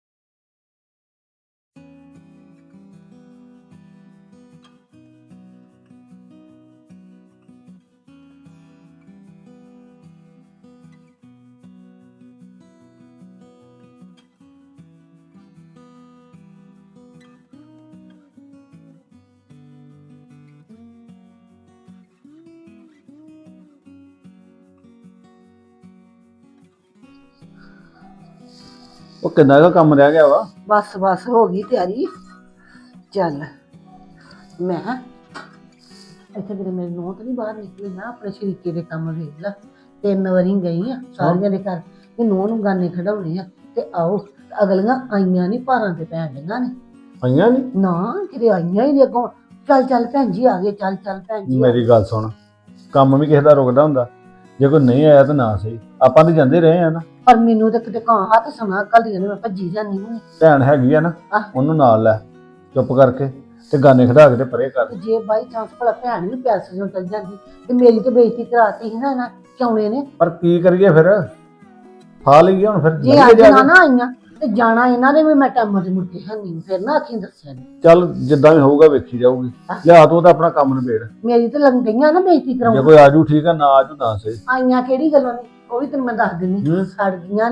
ਉਹ ਕਿੰਨਾ ਕੁ ਕੰਮ ਰਹਿ ਗਿਆ ਵਾ?
ਬਸ ਹੋ ਗਈ ਤਿਆਰੀ। ਚੱਲ ਮੈਂ ਇੱਥੇ ਮੇਰੇ ਨੋਹ ਤਾਂ ਨਹੀਂ ਬਾਹਰ ਨਿਕਲੀ। ਮੈਂ ਆਪਣੇ ਸ਼ਰੀਕੇ ਦੇ ਕੰਮ ਵੇਖ ਲਾ। 3 ਵਾਰੀ ਗਈ ਆ ਸਾਰਿਆਂ ਦੇ ਘਰ ਕਿ ਨੋਹ ਨੂੰ ਗਾਨੇ ਖੜਾਉਣੇ ਆ ਤੇ ਆਓ। ਅਗਲੀਆਂ ਆਈਆਂ ਨਹੀਂ, ਭਾਰਾਂ ਤੇ ਪੈਣ ਡੀਆਂ ਨੇ।
ਆਈਆਂ ਨੀ?
ਨਾ ਕਿਤੇ ਆਈਆਂ ਹੀ ਨਹੀਂ ਅੱਗੋਂ। ਚੱਲ ਭੈਣ ਜੀ ਆ ਗਏ। ਚੱਲ ਭੈਣ ਜੀ।
ਮੇਰੀ ਗੱਲ ਸੁਣ, ਕੰਮ ਵੀ ਕਿਸੇ ਦਾ ਰੁਕਦਾ ਹੁੰਦਾ। ਜੇ ਕੋਈ ਨਹੀਂ ਆਇਆ ਤਾਂ ਨਾ ਸਹੀ, ਆਪਾਂ ਤਾਂ ਜਾਂਦੇ ਰਹੇ ਆ ਨਾ।
ਪਰ ਮੈਨੂੰ ਤਾਂ ਕਿਤੇ ਕਾਂ ਹੱਥ ਸੁਣਾ ਕੱਲੀਆਂ ਨੇ, ਮੈਂ ਭੱਜੀ ਜਾਂਦੀ ਹਾਂ।
ਭੈਣ ਹੈਗੀ ਆ ਨਾ, ਉਹਨੂੰ ਨਾਲ ਲੈ ਚੁੱਪ ਕਰਕੇ ਤੇ ਗਾਨੇ ਖੜਾ ਕੇ ਤੇ ਪਰੇ ਕਰ।
ਜੇ ਬਾਈ ਚਾਂਸ ਭਲਾ ਭੈਣ ਵੀ ਪੈਸੇ ਨੂੰ ਚੱਲ ਜਾਂਦੀ ਤੇ ਮੇਰੀ ਤੇ ਬੇਇੱਜ਼ਤੀ ਕਰਾਤੀ ਸੀ ਨਾ ਕਿਉਂ ਨੇ।
ਪਰ ਕੀ ਕਰੀਏ ਫਿਰ, ਫਾ ਲਈਏ ਹੁਣ ਫਿਰ।
ਜੇ ਅੱਜ ਨਾ ਆਈਆਂ ਤੇ ਜਾਣਾ ਇਹਨਾਂ ਨੇ ਵੀ। ਮੈਂ ਟਾਈਮ ਤੇ ਮੁੜ ਕੇ ਹੈਨੀ, ਫਿਰ ਨਾ ਆਖੀ ਦੱਸਿਆ ਨਹੀਂ।
ਚੱਲ ਜਿੱਦਾਂ ਵੀ ਹੋਊਗਾ ਵੇਖੀ ਜਾਊਗੀ। ਲਿਆ ਤੂੰ ਤਾਂ ਆਪਣਾ ਕੰਮ ਨਿਬੇੜ।
ਮੇਰੀ ਤੇ ਲੰਗ ਗਈਆਂ ਨਾ ਬੇਇੱਜ਼ਤੀ
ਜੇ
ਕਰਾਉਣ।
ਕੋਈ ਆਜੂ ਠੀਕ ਆ, ਨਾ ਆਜੂ ਨਾ ਸਹੀ।
ਆਈਆਂ ਕਿਹੜੀ ਗੱਲੋਂ ਨੇ, ਉਹ ਵੀ ਤੈਨੂੰ ਮੈਂ ਦੱਸ ਦਿੰਦੀ। ਸੜ ਗਈਆਂ ਨੇ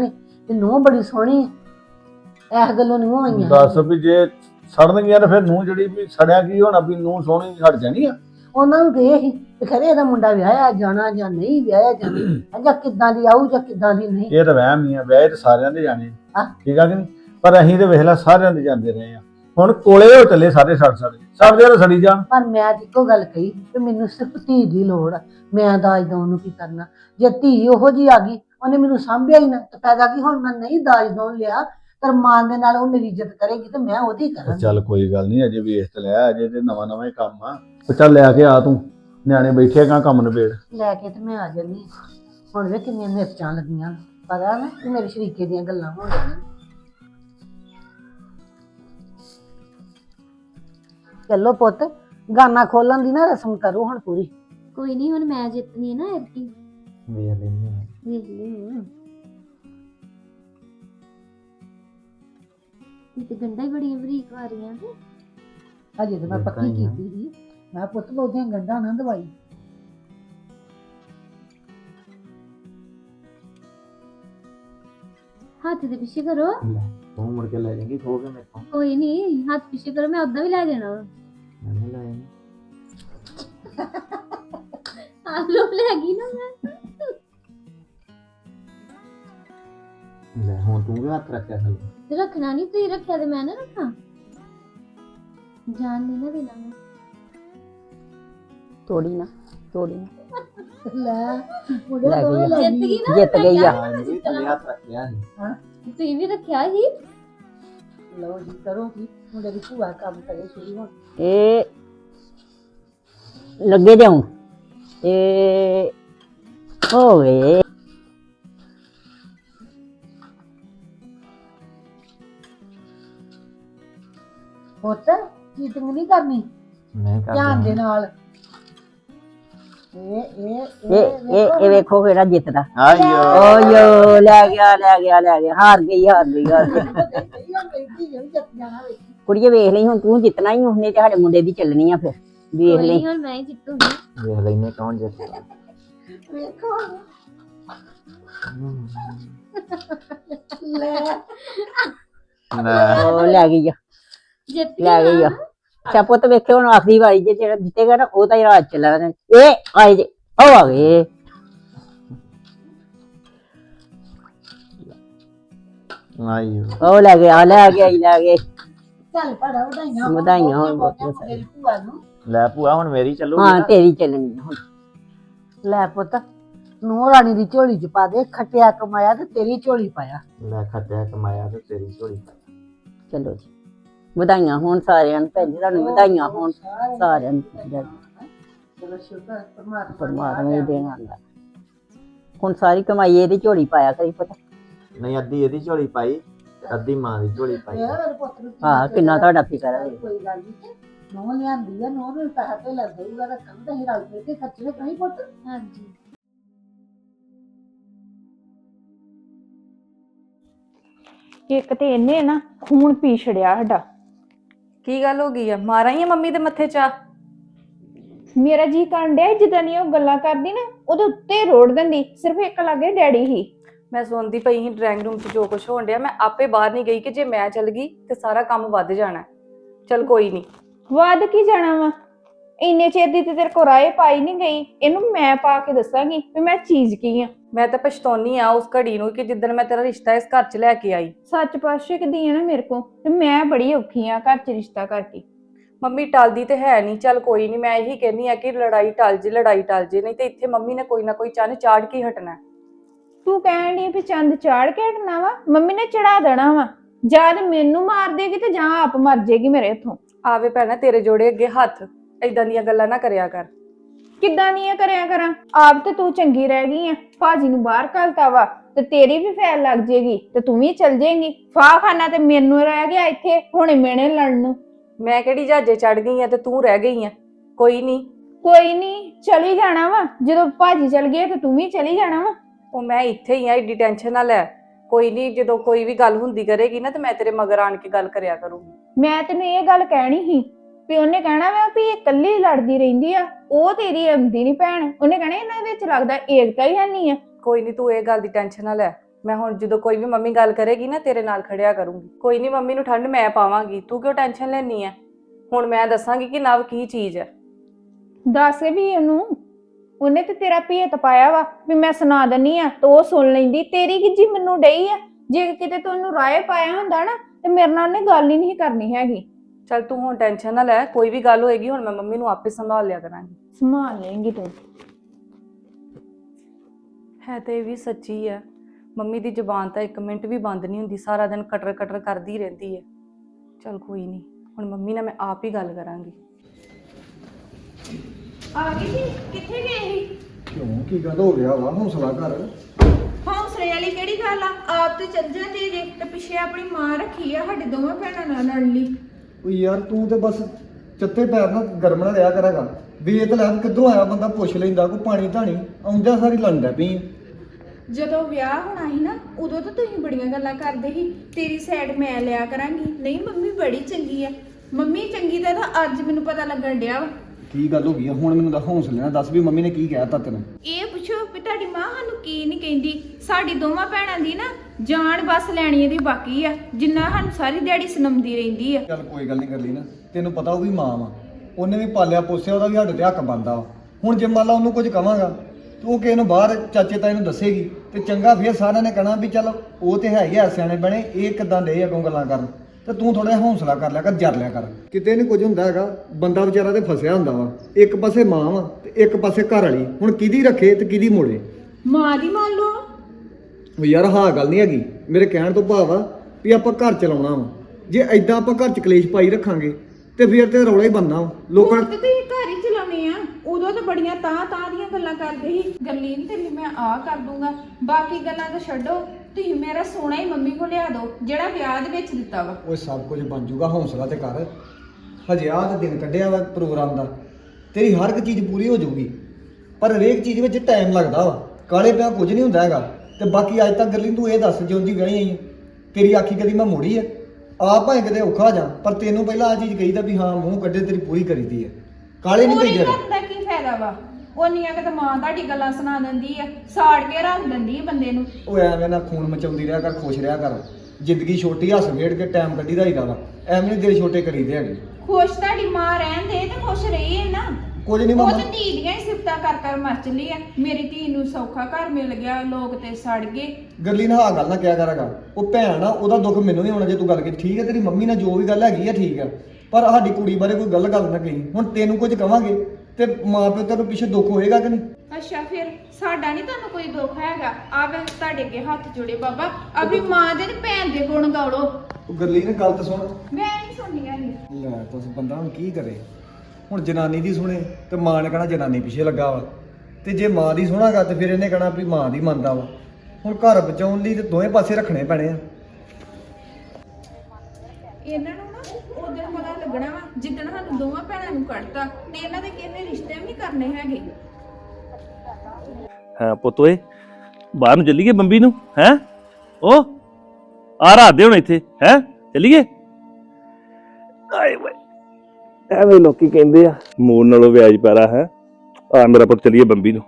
ਤੇ ਨੂੰਹ ਬੜੀ ਸੋਹਣੀ ਐ, ਇਸ ਗੱਲੋਂ ਨਹੀਂ ਆਈਆਂ
ਦੱਸ ਵੀ ਜੇ ਸੜਨਗੀਆਂ ਤਾਂ ਫਿਰ ਨੂੰ ਜਿਹੜੀ ਵੀ ਸੜਿਆ ਕੀ ਹੋਣਾ ਵੀ ਨੂੰ ਸੋਹਣੀ ਹਟ ਜਾਣੀ ਆ।
ਉਹਨਾਂ ਨੂੰ ਤੇ ਇਹ ਸੀ ਵੀ ਖਰੇ ਇਹਦਾ ਮੁੰਡਾ ਵਿਆਹਿਆ ਜਾਣਾ ਜਾਂ ਨਹੀਂ ਵਿਆਹਿਆ ਜਾਣਾ, ਜਾਂ ਕਿੱਦਾਂ ਦੀ ਆਊ ਜਾਂ ਕਿੱਦਾਂ ਦੀ ਨਹੀਂ।
ਇਹ ਤਾਂ ਵਹਿਮ ਹੀ ਆ, ਵਿਆਹ ਤੇ ਸਾਰਿਆਂ ਦੇ ਜਾਣੇ
ਹਾਂ।
ਠੀਕ ਆ ਕਿ ਨਹੀਂ, ਪਰ ਅਸੀਂ ਤੇ ਵੇਖ ਲਾ ਸਾਰਿਆਂ ਦੇ ਜਾਂਦੇ ਰਹੇ ਆ। ਹੁਣ ਕੋਲੇ ਹੋ ਚੱਲੇ ਸਾਰੇ ਸੜ ਸਭ ਦੇ ਸੜੀ ਜਾਣ।
ਪਰ ਮੈਂ ਅੱਜ ਇੱਕੋ ਗੱਲ ਕਹੀ ਕਿ ਮੈਨੂੰ ਸਿਰਫ ਧੀ ਦੀ ਲੋੜ ਆ, ਮੈਂ ਦਾਜ ਦਉਣ ਨੂੰ ਕੀ ਕਰਨਾ। ਜੇ ਧੀ ਉਹੋ ਜੀ ਆ ਗਈ ਉਹਨੇ ਮੈਨੂੰ ਸਾਂਭਿਆ ਹੀ ਨਾ ਤੇ ਫਾਇਦਾ ਕੀ। ਹੁਣ ਮੈਂ ਨਹੀਂ ਦਾਜ ਦਉਣ ਲਿਆ, ਪਰ ਮਾਨ ਦੇ ਨਾਲ ਉਹ ਮੇਰੀ ਇੱਜ਼ਤ ਕਰੇਗੀ ਤੇ ਮੈਂ ਉਹਦੀ ਕਰਾਂਗੀ।
ਚੱਲ ਕੋਈ ਗੱਲ ਨਹੀਂ, ਅਜੇ ਵੇਖ ਤੇ ਲਿਆ, ਅਜੇ ਤੇ ਨਵਾਂ ਨਵਾਂ ਹੀ ਕੰਮ ਆ। ਤੇ ਚੱਲ ਲੈ ਕੇ ਆ ਤੂੰ, ਨਿਆਣੇ ਬੈਠੇ ਕਾਂ ਕੰਮ ਨਿਬੇੜ।
ਲੈ ਕੇ ਤੇ ਮੈਂ ਆ ਜਾਂਦੀ ਹਾਂ। ਹੁਣ ਵੇ ਕਿੰਨੀਆਂ ਮਿਰਚਾਂ ਲੱਗੀਆਂ, ਪਤਾ ਨਾ ਕਿ ਮੇਰੇ ਸ਼ਰੀਕੇ ਦੀਆਂ ਗੱਲਾਂ ਹੋਣ ਲੱਗੀਆਂ। ਚਲੋ ਪੁੱਤ, ਗਾਨਾ ਖੋਲਣ ਦੀ ਨਾ ਰਸਮ ਕਰੋ ਹੁਣ ਪੂਰੀ।
ਕੋਈ ਨਹੀਂ, ਹੁਣ ਮੈਂ ਜਿੱਤਨੀ ਹੈ ਨਾ ਐਤਕੀ।
ਵੇਖ ਲੈਂਦੇ ਆ।
ਵੇਖ ਲਈ ਇਹ ਤੇ ਗੰਢਾਂ ਹੀ ਬੜੀਆਂ ਬਰੀਕ ਆ ਰਹੀਆਂ ਤੇ
ਅਜੇ ਤੇ ਮੈਂ
ਗੰਢਾਂ
ਪੱਕੀ
ਹੀ ਆ।
ਕੀਤੀ ਸੀ। ਮੈਂ ਪੁੱਤ ਬਹੁਤੀਆਂ ਗੰਢਾਂ ਨਾ ਦਵਾਈ।
ਹੱਥ ਦੇ ਪਿੱਛੇ ਕਰੋ।
ਲੈ ਤੂੰ ਮੁੜ ਕੇ ਲੈ ਜਾਏਂਗੀ ਖੋ ਕੇ ਮੇਰੇ ਤੋਂ।
ਕੋਈ ਨਹੀਂ, ਹੱਥ ਪਿੱਛੇ ਕਰੋ, ਮੈਂ ਉਦਾਂ ਵੀ ਲੈ ਜਾਣਾ ਵਾ।
ਮੈਂ ਨਹੀਂ ਲੈ ਜਾਣੀ।
ਆਲੂ ਲੈ ਗਈ ਨਾ ਮੈਂ।
ਲੈ ਹੁਣ ਤੂੰ ਵੀ ਹੱਥ ਰੱਖਿਆ ਥੱਲੇ।
ਤੇ ਰੱਖਣਾ ਨਹੀਂ, ਤੁਸੀਂ ਰੱਖਿਆ ਤੇ ਮੈਂ ਨਾ ਰੱਖਾਂ। ਜਾਨ ਨਹੀਂ ਨਾ ਦੇਣਾ ਮੈਂ।
ਤੋੜੀ ਨਾ
ਲੈ ਮੁੰਡੇ
ਲੈ
ਦੋਵੇਂ
ਗਈ
ਲੈ
ਜਿੱਤ
ਗਈ।
ਗਈ ਨਾ।
ਜਿੱਤ ਗਈ ਆ।
ਹਾਂਜੀ ਥੱਲੇ ਹੱਥ ਰੱਖਿਆ ਸੀ।
ਤੁਸੀਂ ਵੀ ਰੱਖਿਆ ਸੀ।
ਲਓ ਜੀ ਕਰੋ ਜੀ, ਮੁੰਡੇ ਦੀ ਭੂਆ ਕੰਮ ਕਰੇ ਸ਼ੁਰੂ ਹੁਣ।
ਇਹ ਲੱਗੇ ਜਾਉਂ ਇਹ ਹੋਵੇ।
ਪੁੱਤ ਚੀਟਿੰਗ ਨਹੀਂ ਕਰਨੀ,
ਮੈਂ ਕਰ
ਧਿਆਨ ਦੇ
ਦਿਆਂ।
ਨਾਲ। ਇਹ
ਇਹ ਵੇਖੋ ਕਿਹੜਾ ਜਿੱਤਦਾ।
ਆਇਓ
ਓਯੋ ਲੈ ਗਿਆ ਹਾਰ ਗਈ ਕੁੜੀਏ ਵੇਖ ਲਈ ਹੁਣ ਤੂੰ ਜਿੱਤਣਾ ਹੀ ਉਹਨੇ ਤੇ ਸਾਡੇ ਮੁੰਡੇ ਦੀ ਚੱਲਣੀ ਆ ਫਿਰ ਵੇਖ
ਕੋਈ
ਲਈ।
ਨਹੀਂ, ਹੁਣ ਮੈਂ ਹੀ ਜਿੱਤੂਗੀ।
ਵੇਖ ਲੈਨੇ ਕੌਣ ਜਿੱਤਦਾ।
ਵੇਖੋ ਲੈ
ਲੈ
ਉਹ ਲੈ ਗਈ ਆ
ਜਿੱਤ
ਲੈ ਗਈ ਆ।
ਨਾ।
ਅੱਛਾ ਪੁੱਤ ਵੇਖਿਓ ਹੁਣ ਆਖਰੀ ਵਾਰੀ ਜੇ ਜਿਹੜਾ ਜਿੱਤੇਗਾ ਨਾ ਉਹ ਤਾਂ ਹੀ ਰਾਜ ਚੱਲਣਾ। ਇਹ ਆਏ ਜੇ ਉਹ ਆ ਗਏ।
ਆਇਓ
ਉਹ ਲੈ ਗਿਆ
ਚੱਲ ਭੜਾ ਵਧਾਈਆਂ
ਵਧਾਈਆਂ ਹੋਣ
ਬਹੁਤੀਆਂ
ਬਹੁਤ
ਮੁੰਡੇ ਦੀ ਭੂਆ ਨੂੰ।
ਲੈ ਭੂਆ ਹੁਣ ਮੇਰੀ ਚੱਲੂਗੀ
ਹਾਂ
ਨਾ।
ਤੇਰੀ ਚੱਲਣੀ ਆ ਹੁਣ।
ਲੈ ਪੁੱਤ, ਨੂੰਹ ਰਾਣੀ ਦੀ ਝੋਲੀ ਚ ਪਾ ਦੇ, ਖੱਟਿਆ ਕਮਾਇਆ ਤੇ ਤੇਰੀ ਝੋਲੀ ਪਾਇਆ।
ਲੈ ਖੱਟਿਆ ਕਮਾਇਆ ਤੇ ਤੇਰੀ ਝੋਲੀ ਪਾਈ।
ਚਲੋ ਜੀ ਵਧਾਈਆਂ ਹੋਣ ਸਾਰਿਆਂ ਨੂੰ, ਭੈਣ ਜੀ ਤੁਹਾਨੂੰ ਵਧਾਈਆਂ ਹੋਣ ਸਾਰਿਆਂ ਨੂੰ।
ਚਲੋ ਸ਼ੁਕਰ ਪਰਮਾਤਮਾ
ਪਰਮਾਤਮਾ ਦੇ ਦੇਣ ਵਾਲਾ। ਹੁਣ ਸਾਰੀ ਕਮਾਈ ਇਹਦੀ ਝੋਲੀ ਪਾਇਆ ਕਰੀ ਪਤਾ।
ਨਹੀਂ ਅੱਧੀ ਇਹਦੀ ਝੋਲੀ ਪਾਈ ਤੇ ਅੱਧੀ ਮਾਂ ਦੀ ਝੋਲੀ ਪਾਈ।
ਮੇਰੇ ਪੁੱਤ ਨੂੰ
ਹਾਂ ਕਿੰਨਾ ਤੁਹਾਡਾ ਫਿਕਰ ਹੈ।
ਕੋਈ ਗੱਲ ਨਹੀਂ, ਨੂੰਹ ਲਿਆਂਦੀ ਆ, ਨੂੰਹ ਨੂੰ ਪੈਸਾ ਤੇ ਲੱਗ ਜਾਊਗਾ, ਰੱਖਣ ਤਾਂ ਹੀ ਰਲ ਮਿਲ ਕੇ ਖਰਚੇ ਕਹੀਂ ਪੁੱਤ।
ਹਾਂਜੀ।
ਇੱਕ ਤੇ ਇਹਨੇ ਨਾ ਖੂਨ ਪੀ ਛੜਿਆ ਸਾਡਾ।
ਕੀ ਗੱਲ ਹੋ ਗਈ ਆ? ਮਾਰਾਂ ਹੀ ਆ ਮੰਮੀ ਦੇ ਮੱਥੇ ਚਾ?
ਮੇਰਾ ਜੀ ਕਰਨ ਡਿਆ ਜਿੱਦਾਂ ਦੀ ਉਹ ਗੱਲਾਂ ਕਰਦੀ ਨਾ ਉਹਦੇ ਉੱਤੇ ਰੋੜ ਦਿੰਦੀ। ਸਿਰਫ ਇੱਕ ਲੱਗੇ ਡੈਡੀ ਹੀ।
ਮੈਂ ਸੁਣਦੀ ਪਈ ਸੀ ਡਰਾਇੰਗ ਰੂਮ 'ਚ ਜੋ ਕੁਝ ਹੋਣ ਡਿਆ। ਮੈਂ ਆਪੇ ਬਾਹਰ ਨਹੀਂ ਗਈ ਕਿ ਜੇ ਮੈਂ ਚੱਲ ਗਈ ਤੇ ਸਾਰਾ ਕੰਮ ਵੱਧ ਜਾਣਾ। ਚਲ ਕੋਈ ਨਹੀਂ।
ਵੱਧ ਕੀ ਜਾਣਾ ਵਾ? ਇੰਨੇ ਚਿਰ ਦੀ ਤੇ ਤੇਰੇ ਕੋਲ ਰਾਏ ਪਾਈ ਨਹੀਂ ਗਈ। ਇਹਨੂੰ ਮੈਂ ਪਾ ਕੇ ਦੱਸਾਂਗੀ ਵੀ ਮੈਂ ਚੀਜ਼ ਕੀ ਆ।
ਮੈਂ ਤਾਂ ਪਛਤਾਉਣੀ ਆ ਉਸ ਘੜੀ ਨੂੰ ਕਿ ਜਿੱਦਣ ਮੈਂ ਤੇਰਾ ਰਿਸ਼ਤਾ ਇਸ ਘਰ 'ਚ ਲੈ ਕੇ ਆਈ।
ਸੱਚ ਪਾਸ਼ੇ ਕਦੀ ਆ ਨਾ ਮੇਰੇ ਕੋ ਤੇ ਮੈਂ ਬੜੀ ਔਖੀ ਆ ਘਰ 'ਚ ਰਿਸ਼ਤਾ ਕਰਕੇ।
ਮੰਮੀ ਟਲਦੀ ਤੇ ਹੈ ਨਹੀਂ। ਚਲ ਕੋਈ ਨਹੀਂ, ਮੈਂ ਇਹੀ ਕਹਿੰਦੀ ਆ ਕਿ ਲੜਾਈ ਟਲ ਜੇ ਨਹੀਂ ਤੇ ਇੱਥੇ ਮੰਮੀ ਨੇ ਕੋਈ ਨਾ ਕੋਈ ਚੰਨ ਚਾੜ ਕੇ ਹੀ ਹਟਣਾ।
ਤੂੰ ਕਹਿਣ ਡਈ ਵੀ ਚੰਦ ਚਾੜ ਕੇ ਹਟਣਾ ਵਾ? ਮੰਮੀ ਨੇ ਚੜਾ ਦੇਣਾ ਵਾ। ਜਦ ਮੈਨੂੰ ਮਾਰ ਦੇਗੀ ਤੇ ਜਾਂ ਆਪ ਮਰ ਜੇਗੀ ਮੇਰੇ ਹੱਥੋਂ।
ਆਵੇ ਭੈਣਾ ਤੇਰੇ ਜੋੜੇ ਅੱਗੇ ਹੱਥ। ਏਦਾਂ ਦੀਆਂ ਗੱਲਾਂ ਨਾ ਕਰਿਆ ਕਰ।
ਕਿੱਦਾਂ ਦੀਆਂ ਕਰਿਆ ਕਰਾਂ? ਆਪ ਤੇ ਤੂੰ ਚੰਗੀ ਰਹਿ ਗਈ ਆ। ਭਾਜੀ ਨੂੰ ਬਾਹਰ ਘਲਤਾ ਵਾ ਤੇ ਤੇਰੀ ਵੀ ਫੈਲ ਲੱਗ ਜੇਗੀ ਤੇ ਤੂੰ ਵੀ ਚਲ ਜੇਗੀ। ਫਾਹ ਖਾਨਾ ਤੇ ਮੈਨੂੰ ਰਹਿ ਗਿਆ ਇੱਥੇ ਹੁਣੇ ਮੇਣੇ ਲੜਨ ਨੂੰ।
ਮੈਂ ਕਿਹੜੀ ਜਹਾਜ਼ੇ ਚੜ ਗਈ ਆ ਤੇ ਤੂੰ ਰਹਿ ਗਈ ਆ? ਕੋਈ ਨਹੀਂ ਚਲੀ ਜਾਣਾ ਵਾ। ਜਦੋਂ ਭਾਜੀ ਚਲ ਗਏ ਤੇ ਤੂੰ ਵੀ ਚਲੀ ਜਾਣਾ ਵਾ। ਉਹ ਮੈਂ ਇੱਥੇ ਹੀ ਆ, ਏਡੀ ਟੈਨਸ਼ਨ ਨਾ ਲੈ। ਕੋਈ ਨਹੀਂ, ਜਦੋਂ ਕੋਈ ਵੀ ਗੱਲ ਹੁੰਦੀ ਕਰੇਗੀ ਨਾ ਤੇ ਮੈਂ ਤੇਰੇ ਮਗਰ ਆਣ ਕੇ ਗੱਲ ਕਰਿਆ ਕਰੂੰਗੀ।
ਮੈਂ ਤੈਨੂੰ ਇਹ ਗੱਲ ਕਹਿਣੀ ਸੀ ਵੀ ਉਹਨੇ ਕਹਿਣਾ ਵਾ ਵੀ ਇਹ ਇਕੱਲੀ ਲੜਦੀ ਰਹਿੰਦੀ ਆ, ਉਹ ਤੇਰੀ ਆਉਂਦੀ ਨਹੀਂ ਭੈਣ। ਉਹਨੇ ਕਹਿਣਾ ਇਹਨਾਂ ਵਿੱਚ ਲੱਗਦਾ ਏਕਤਾ ਹੀ ਹੈ ਨਹੀਂ ਆ।
ਕੋਈ ਨਹੀਂ, ਤੂੰ ਇਹ ਗੱਲ ਦੀ ਟੈਨਸ਼ਨ ਨਾ ਲੈ। ਮੈਂ ਹੁਣ ਜਦੋਂ ਕੋਈ ਵੀ ਮੰਮੀ ਗੱਲ ਕਰੇਗੀ ਨਾ ਤੇਰੇ ਨਾਲ ਖੜਿਆ ਕਰੂੰਗੀ। ਕੋਈ ਨਹੀਂ, ਮੰਮੀ ਨੂੰ ਠੰਡ ਮੈਂ ਪਾਵਾਂਗੀ, ਤੂੰ ਕਿਉਂ ਟੈਨਸ਼ਨ ਲੈਣੀ ਹੈ। ਹੁਣ ਮੈਂ ਦੱਸਾਂਗੀ ਕਿ ਨਵ ਕੀ ਚੀਜ਼ ਹੈ।
ਦੱਸ ਵੀ ਉਹਨੇ ਤੇ ਤੇਰਾ ਭੇਤ ਪਾਇਆ ਵਾ ਵੀ ਮੈਂ ਸੁਣਾ ਦਨੀ ਆ ਤੇ ਉਹ ਸੁਣ ਲੈਂਦੀ। ਤੇਰੀ ਕੀ ਜੀ ਮੈਨੂੰ ਡਈ ਆ। ਜੇ ਕਿਤੇ ਤੂੰ ਉਹਨੂੰ ਰਾਏ ਪਾਇਆ ਹੁੰਦਾ ਨਾ ਤੇ ਮੇਰੇ ਨਾਲ ਉਹਨੇ ਗੱਲ ਹੀ ਨਹੀਂ ਕਰਨੀ ਹੈਗੀ।
ਚੱਲ ਤੂੰ ਹੁਣ ਟੈਨਸ਼ਨ ਨਾ ਲੈ, ਕੋਈ ਵੀ ਗੱਲ ਹੋਏਗੀ ਹੁਣ ਮੈਂ ਮੰਮੀ ਨੂੰ ਆਪੇ ਸੰਭਾਲ ਲਿਆ ਕਰਾਂਗੀ।
ਸੰਭਾਲ ਲਏਂਗੀ ਤੂੰ।
ਹੈ ਤੇ ਇਹ ਵੀ ਸੱਚੀ ਹੈ, ਮੰਮੀ ਦੀ ਜ਼ੁਬਾਨ ਤਾਂ 1 ਮਿੰਟ ਵੀ ਬੰਦ ਨਹੀਂ ਹੁੰਦੀ, ਸਾਰਾ ਦਿਨ ਕਟਰ ਕਟਰ ਕਰਦੀ ਰਹਿੰਦੀ ਹੈ। ਚੱਲ ਕੋਈ ਨਹੀਂ, ਹੁਣ ਮੰਮੀ ਨਾਲ ਮੈਂ ਆਪ ਹੀ ਗੱਲ ਕਰਾਂਗੀ।
ਆ ਗਈ ਸੀ? ਕਿੱਥੇ ਗਏ ਸੀ?
ਕਿਉਂ ਕੀ ਗੱਲ ਹੋ ਗਿਆ ਵਾ? ਹੌਸਲਾ ਕਰ।
ਹੌਸਲੇ ਵਾਲੀ ਕਿਹੜੀ ਗੱਲ ਆ? ਆਪ ਤੇ ਚੱਲ ਜਾਂਦੀ ਜੇ ਤੇ ਪਿੱਛੇ ਆਪਣੀ ਮਾਂ ਰੱਖੀ ਆ ਸਾਡੇ ਦੋਵਾਂ ਭੈਣਾਂ ਨਾਲ ਲੜਨ ਲਈ।
ਉਹ ਯਾਰ ਤੂੰ ਤੇ ਬਸ ਚੱਤੇ ਪੈਰ ਨਾਲ ਗਰਮ ਨਾ ਰਿਹਾ ਕਰਾਂਗਾ। ਵੇਤ ਲੈ ਕਿੱਧਰੋਂ ਆਇਆ ਬੰਦਾ ਪੁੱਛ ਲੈਂਦਾ, ਕੋਈ ਪਾਣੀ ਧਾਣੀ ਆਉਂਦਿਆਂ ਸਾਰੀ ਲੰਡਾ ਪਈ।
ਜਦੋਂ ਵਿਆਹ ਹੋਣਾ ਸੀ ਨਾ ਉਦੋਂ ਤਾਂ ਤੁਸੀਂ ਬੜੀਆਂ ਗੱਲਾਂ ਕਰਦੇ ਸੀ, ਤੇਰੀ ਸਾਈਡ ਮੈਂ ਲਿਆ ਕਰਾਂਗੀ। ਨਹੀਂ ਮੰਮੀ ਬੜੀ ਚੰਗੀ ਆ। ਮੰਮੀ ਚੰਗੀ ਤਾਂ ਅੱਜ ਮੈਨੂੰ ਪਤਾ ਲੱਗਣ ਡਿਆ ਵਾ।
ਕੀ ਗੱਲ ਹੋ ਗਈ ਆ ਹੁਣ? ਮੈਨੂੰ ਦੱਸ, ਹੌਸਲੇ ਨਾਲ ਦੱਸ ਵੀ ਮੰਮੀ ਨੇ ਕੀ ਕਹਿਤਾ ਤੈਨੂੰ।
ਇਹ ਪੁੱਛੋ ਵੀ ਤੁਹਾਡੀ ਮਾਂ ਸਾਨੂੰ ਕੀ ਨਹੀਂ ਕਹਿੰਦੀ। ਸਾਡੀ ਦੋਵਾਂ ਭੈਣਾਂ ਦੀ ਨਾ ਜਾਨ ਬਸ ਲੈਣੀ ਇਹਦੀ ਬਾਕੀ ਆ, ਜਿੰਨਾ ਸਾਨੂੰ ਸਾਰੀ ਦਿਹਾੜੀ ਸੁਣਾਉਂਦੀ ਰਹਿੰਦੀ ਆ।
ਚੱਲ ਕੋਈ ਗੱਲ ਨਹੀਂ ਕਰ ਲਈ ਨਾ, ਤੈਨੂੰ ਪਤਾ ਉਹ ਵੀ ਮਾਂ ਵਾ, ਉਹਨੇ ਵੀ ਪਾਲਿਆ ਪੋਸਿਆ, ਉਹਦਾ ਵੀ ਸਾਡੇ ਤੇ ਹੱਕ ਬਣਦਾ ਵਾ। ਹੁਣ ਜੇ ਮੰਨ ਲਾ ਉਹਨੂੰ ਕੁਝ ਕਵਾਂਗਾ ਤੇ ਉਹ ਕਿਸੇ ਨੂੰ ਬਾਹਰ ਚਾਚੇ ਤਾਏ ਨੂੰ ਦੱਸੇਗੀ ਤੇ ਚੰਗਾ, ਫਿਰ ਸਾਰਿਆਂ ਨੇ ਕਹਿਣਾ ਵੀ ਚੱਲ ਉਹ ਤੇ ਹੈ ਹੀ ਆ ਸਿਆਣੇ ਬਣੇ, ਇਹ ਕਿਦਾਂ ਦੇ ਅੱਗੋਂ ਗੱਲਾਂ ਕਰਨ। ਤੇ ਤੂੰ ਥੋੜਾ ਜਿਹਾ ਹੌਸਲਾ ਕਰ ਲਿਆ ਕਰ, ਜਰ ਲਿਆ ਕਰ। ਕਿਤੇ ਨਹੀਂ ਕੁਝ ਹੁੰਦਾ ਹੈਗਾ, ਬੰਦਾ ਵਿਚਾਰਾ ਤੇ ਫਸਿਆ ਹੁੰਦਾ ਵਾ। ਇੱਕ ਪਾਸੇ ਮਾਂ ਵਾ ਤੇ ਇੱਕ ਪਾਸੇ ਘਰ ਵਾਲੀ, ਹੁਣ ਕਿਹਦੀ ਰੱਖੇ ਤੇ ਕਿਹਦੀ ਮੋੜੇ?
ਮਾਂ ਦੀ ਮੰਨ ਲਓ।
ਉਹ ਯਾਰ ਹਾਂ ਗੱਲ ਨਹੀਂ ਹੈਗੀ, ਮੇਰੇ ਕਹਿਣ ਤੋਂ ਭਾਵ ਆ ਵੀ ਆਪਾਂ ਘਰ ਚਲਾਉਣਾ ਵਾ। ਜੇ ਐਦਾਂ ਆਪਾਂ ਘਰ ਚ ਕਲੇਸ਼ ਪਾਈ ਰੱਖਾਂਗੇ ਤੇ ਫਿਰ ਤੇ ਰੌਲਾ ਹੀ ਬਣਨਾ ਵਾ। ਲੋਕਾਂ
ਹੁਣ ਤੇ ਤੁਸੀਂ ਘਰ ਹੀ ਚਲਾਉਣੇ ਆ। ਉਦੋਂ ਤਾਂ ਬੜੀਆਂ ਤਾਂ ਦੀਆਂ ਗੱਲਾਂ ਕਰਦੇ ਸੀ। ਗੱਲੀ ਨਹੀਂ ਤੇਰੀ ਮੈਂ ਆਹ ਕਰ ਦੂੰਗਾ, ਬਾਕੀ ਗੱਲਾਂ ਤਾਂ ਛੱਡੋ। ਤੁਸੀਂ ਮੇਰਾ ਸੋਨਾ ਹੀ ਮੰਮੀ ਕੋਲ ਲਿਆ ਦਿਓ ਜਿਹੜਾ ਵਿਆਹ ਦੇ ਵਿੱਚ ਦਿੱਤਾ ਵਾ।
ਉਹ ਸਭ ਕੁਝ ਬਣ ਜੂਗਾ, ਹੌਸਲਾ ਤੇ ਕਰ। ਹਜੇ ਆਹ ਤਾਂ ਦਿਨ ਕੱਢਿਆ ਵਾ ਪ੍ਰੋਗਰਾਮ ਦਾ, ਤੇਰੀ ਹਰ ਇੱਕ ਚੀਜ਼ ਪੂਰੀ ਹੋ ਜਾਊਗੀ। ਪਰ ਹਰੇਕ ਚੀਜ਼ ਵਿੱਚ ਟਾਈਮ ਲੱਗਦਾ ਵਾ, ਕਾਲੇ ਪਿਆ ਕੁਝ ਨਹੀਂ ਹੁੰਦਾ ਹੈਗਾ। ਤੇ ਬਾਕੀ ਅੱਜ ਤੱਕ ਗੱਲੀ ਤੂੰ ਇਹ ਦੱਸ, ਜਿਉਂ ਦੀ ਵਿਆਹੀ ਆਈ ਤੇਰੀ ਆਖੀ ਕਦੀ ਮੈਂ ਮੋੜੀ ਆ? ਆਪ ਭਾਵੇਂ ਕਿਤੇ ਔਖਾ ਜਾ, ਪਰ ਤੈਨੂੰ ਪਹਿਲਾਂ ਆ ਚੀਜ਼ ਕਹੀਦਾ ਵੀ ਹਾਂ ਮੂੰਹ ਕੱਢੇ ਤੇਰੀ ਪੂਰੀ ਕਰੀਦੀ ਹੈ। ਕਾਲੇ ਨਹੀਂ ਭੇਜਿਆ
ਦਾ ਕੀ ਫਾਇਦਾ ਵਾ? ਉਹਨੀਆਂ ਕਿ ਤਾਂ ਮਾਂ ਤੁਹਾਡੀ ਗੱਲਾਂ ਸੁਣਾ ਦਿੰਦੀ ਆ, ਸਾੜ ਕੇ ਰੱਖ ਦਿੰਦੀ ਆ ਬੰਦੇ ਨੂੰ।
ਉਹ ਐਵੇਂ ਨਾ ਖੂਨ ਮਚਾਉਂਦੀ ਰਿਹਾ ਕਰ, ਖੁਸ਼ ਰਿਹਾ ਕਰ। ਜ਼ਿੰਦਗੀ ਛੋਟੀ, ਹੱਸ ਖੇਡ ਕੇ ਟਾਈਮ ਕੱਢੀ ਦਾ ਹੀਦਾ ਵਾ, ਐਵੇਂ ਨਹੀਂ ਦਿਲ ਛੋਟੇ ਕਰੀਦੇ ਹੈਗੇ।
ਖੁਸ਼ ਤੁਹਾਡੀ ਮਾਂ ਰਹਿਣ ਦੇ ਤੇ ਖੁਸ਼ ਰਹੀਏ ਨਾ।
ਕੁਝ ਨਹੀਂ
ਉਹ
ਮਾਮਾ,
ਤੇ ਧੀ ਦੀਆਂ ਹੀ ਸਿਫਤਾਂ ਕਰ ਕਰ ਮਰ ਚੱਲੀ ਆ। ਮੇਰੀ ਧੀ ਨੂੰ ਸੌਖਾ ਘਰ ਮਿਲ ਗਿਆ, ਲੋਕ ਤੇ ਸੜ ਗਏ।
ਗੱਲੀ ਨਾ ਆਹ ਗੱਲ ਨਾ ਕਿਹਾ ਕਰਾਂਗਾ। ਉਹ ਭੈਣ ਆ, ਉਹਦਾ ਦੁੱਖ ਮੈਨੂੰ ਵੀ ਹੋਣਾ ਜੇ ਤੂੰ ਗੱਲ ਕੀਤੀ। ਠੀਕ ਹੈ ਤੇਰੀ ਮੰਮੀ ਨਾਲ ਜੋ ਵੀ ਗੱਲ ਹੈਗੀ ਆ ਠੀਕ ਆ, ਪਰ ਸਾਡੀ ਕੁੜੀ ਬਾਰੇ ਕੋਈ ਗੱਲ ਨਾ ਕਹੀ। ਹੁਣ ਤੈਨੂੰ ਕੁਝ ਕਵਾਂਗੇ ਤੇ ਮਾਂ ਪਿਓ ਤੈਨੂੰ ਪਿੱਛੇ ਦੁੱਖ ਹੋਏਗਾ ਕਿ ਨਹੀਂ?
ਅੱਛਾ ਫਿਰ ਸਾਡਾ ਨਹੀਂ ਤੁਹਾਨੂੰ ਕੋਈ ਦੁੱਖ ਹੈਗਾ? ਆਵੇ ਤੁਹਾਡੇ ਅੱਗੇ ਹੱਥ ਜੋੜੇ ਬਾਬਾ, ਆਪਣੀ ਮਾਂ ਦੇ ਤੇ ਭੈਣ ਦੇ ਗੁਣ ਗਾਉਲੋ।
ਉਹ ਗੱਲੀ ਨੇ ਗੱਲ ਤਾਂ ਸੁਣ।
ਮੈਂ ਨਹੀਂ ਸੁਣਨੀ ਹੈਗੀ।
ਲੈ ਤੁਸੀਂ ਬੰਦਾ ਹੁਣ ਕੀ ਕਰੇ? ਹੁਣ ਜਨਾਨੀ ਦੀ ਸੁਣੇ ਤੇ ਮਾਂ ਨੇ ਕਹਿਣਾ ਜਨਾਨੀ ਪਿੱਛੇ ਲੱਗਾ ਵਾ, ਤੇ ਜੇ ਮਾਂ ਦੀ ਸੁਣਾਗਾ ਤੇ ਫਿਰ ਇਹਨੇ ਕਹਿਣਾ ਵੀ ਮਾਂ ਦੀ ਮੰਨਦਾ ਵਾ। ਹੁਣ ਘਰ ਬਚਾਉਣ ਲਈ ਤੇ ਦੋਵੇਂ ਪਾਸੇ ਰੱਖਣੇ ਪੈਣੇ ਆ।
ਇਹਨਾਂ ਨੂੰ ਨਾ ਉਦੋਂ ਪਤਾ ਲੱਗਣਾ ਵਾ ਜਿੱਦਣ ਸਾਨੂੰ ਦੋਵਾਂ ਭੈਣਾਂ ਨੂੰ ਕੱਢਤਾ, ਤੇ ਇਹਨਾਂ ਦੇ ਕਿਸੇ ਰਿਸ਼ਤੇ ਵੀ ਨਹੀਂ ਕਰਨੇ ਹੈਗੇ।
ਹਾਂ ਪੁੱਤ ਓਏ, ਬਾਹਰ ਨੂੰ ਚੱਲੀਏ ਬੰਬੀ ਨੂੰ? ਹੈ ਉਹ ਆ ਰਾਤ ਦੇ ਹੁਣ ਇੱਥੇ ਹੈ, ਚੱਲੀਏ? ਆਏ ਵੇ ਐਵੇਂ ਲੋਕੀ ਕਹਿੰਦੇ ਆ ਮੋੜ ਨਾਲੋਂ ਵਿਆਜ ਪੈਰਾ ਹੈ। ਆ ਮੇਰਾ ਪੁੱਤ ਚੱਲੀਏ ਬੰਬੀ ਨੂੰ।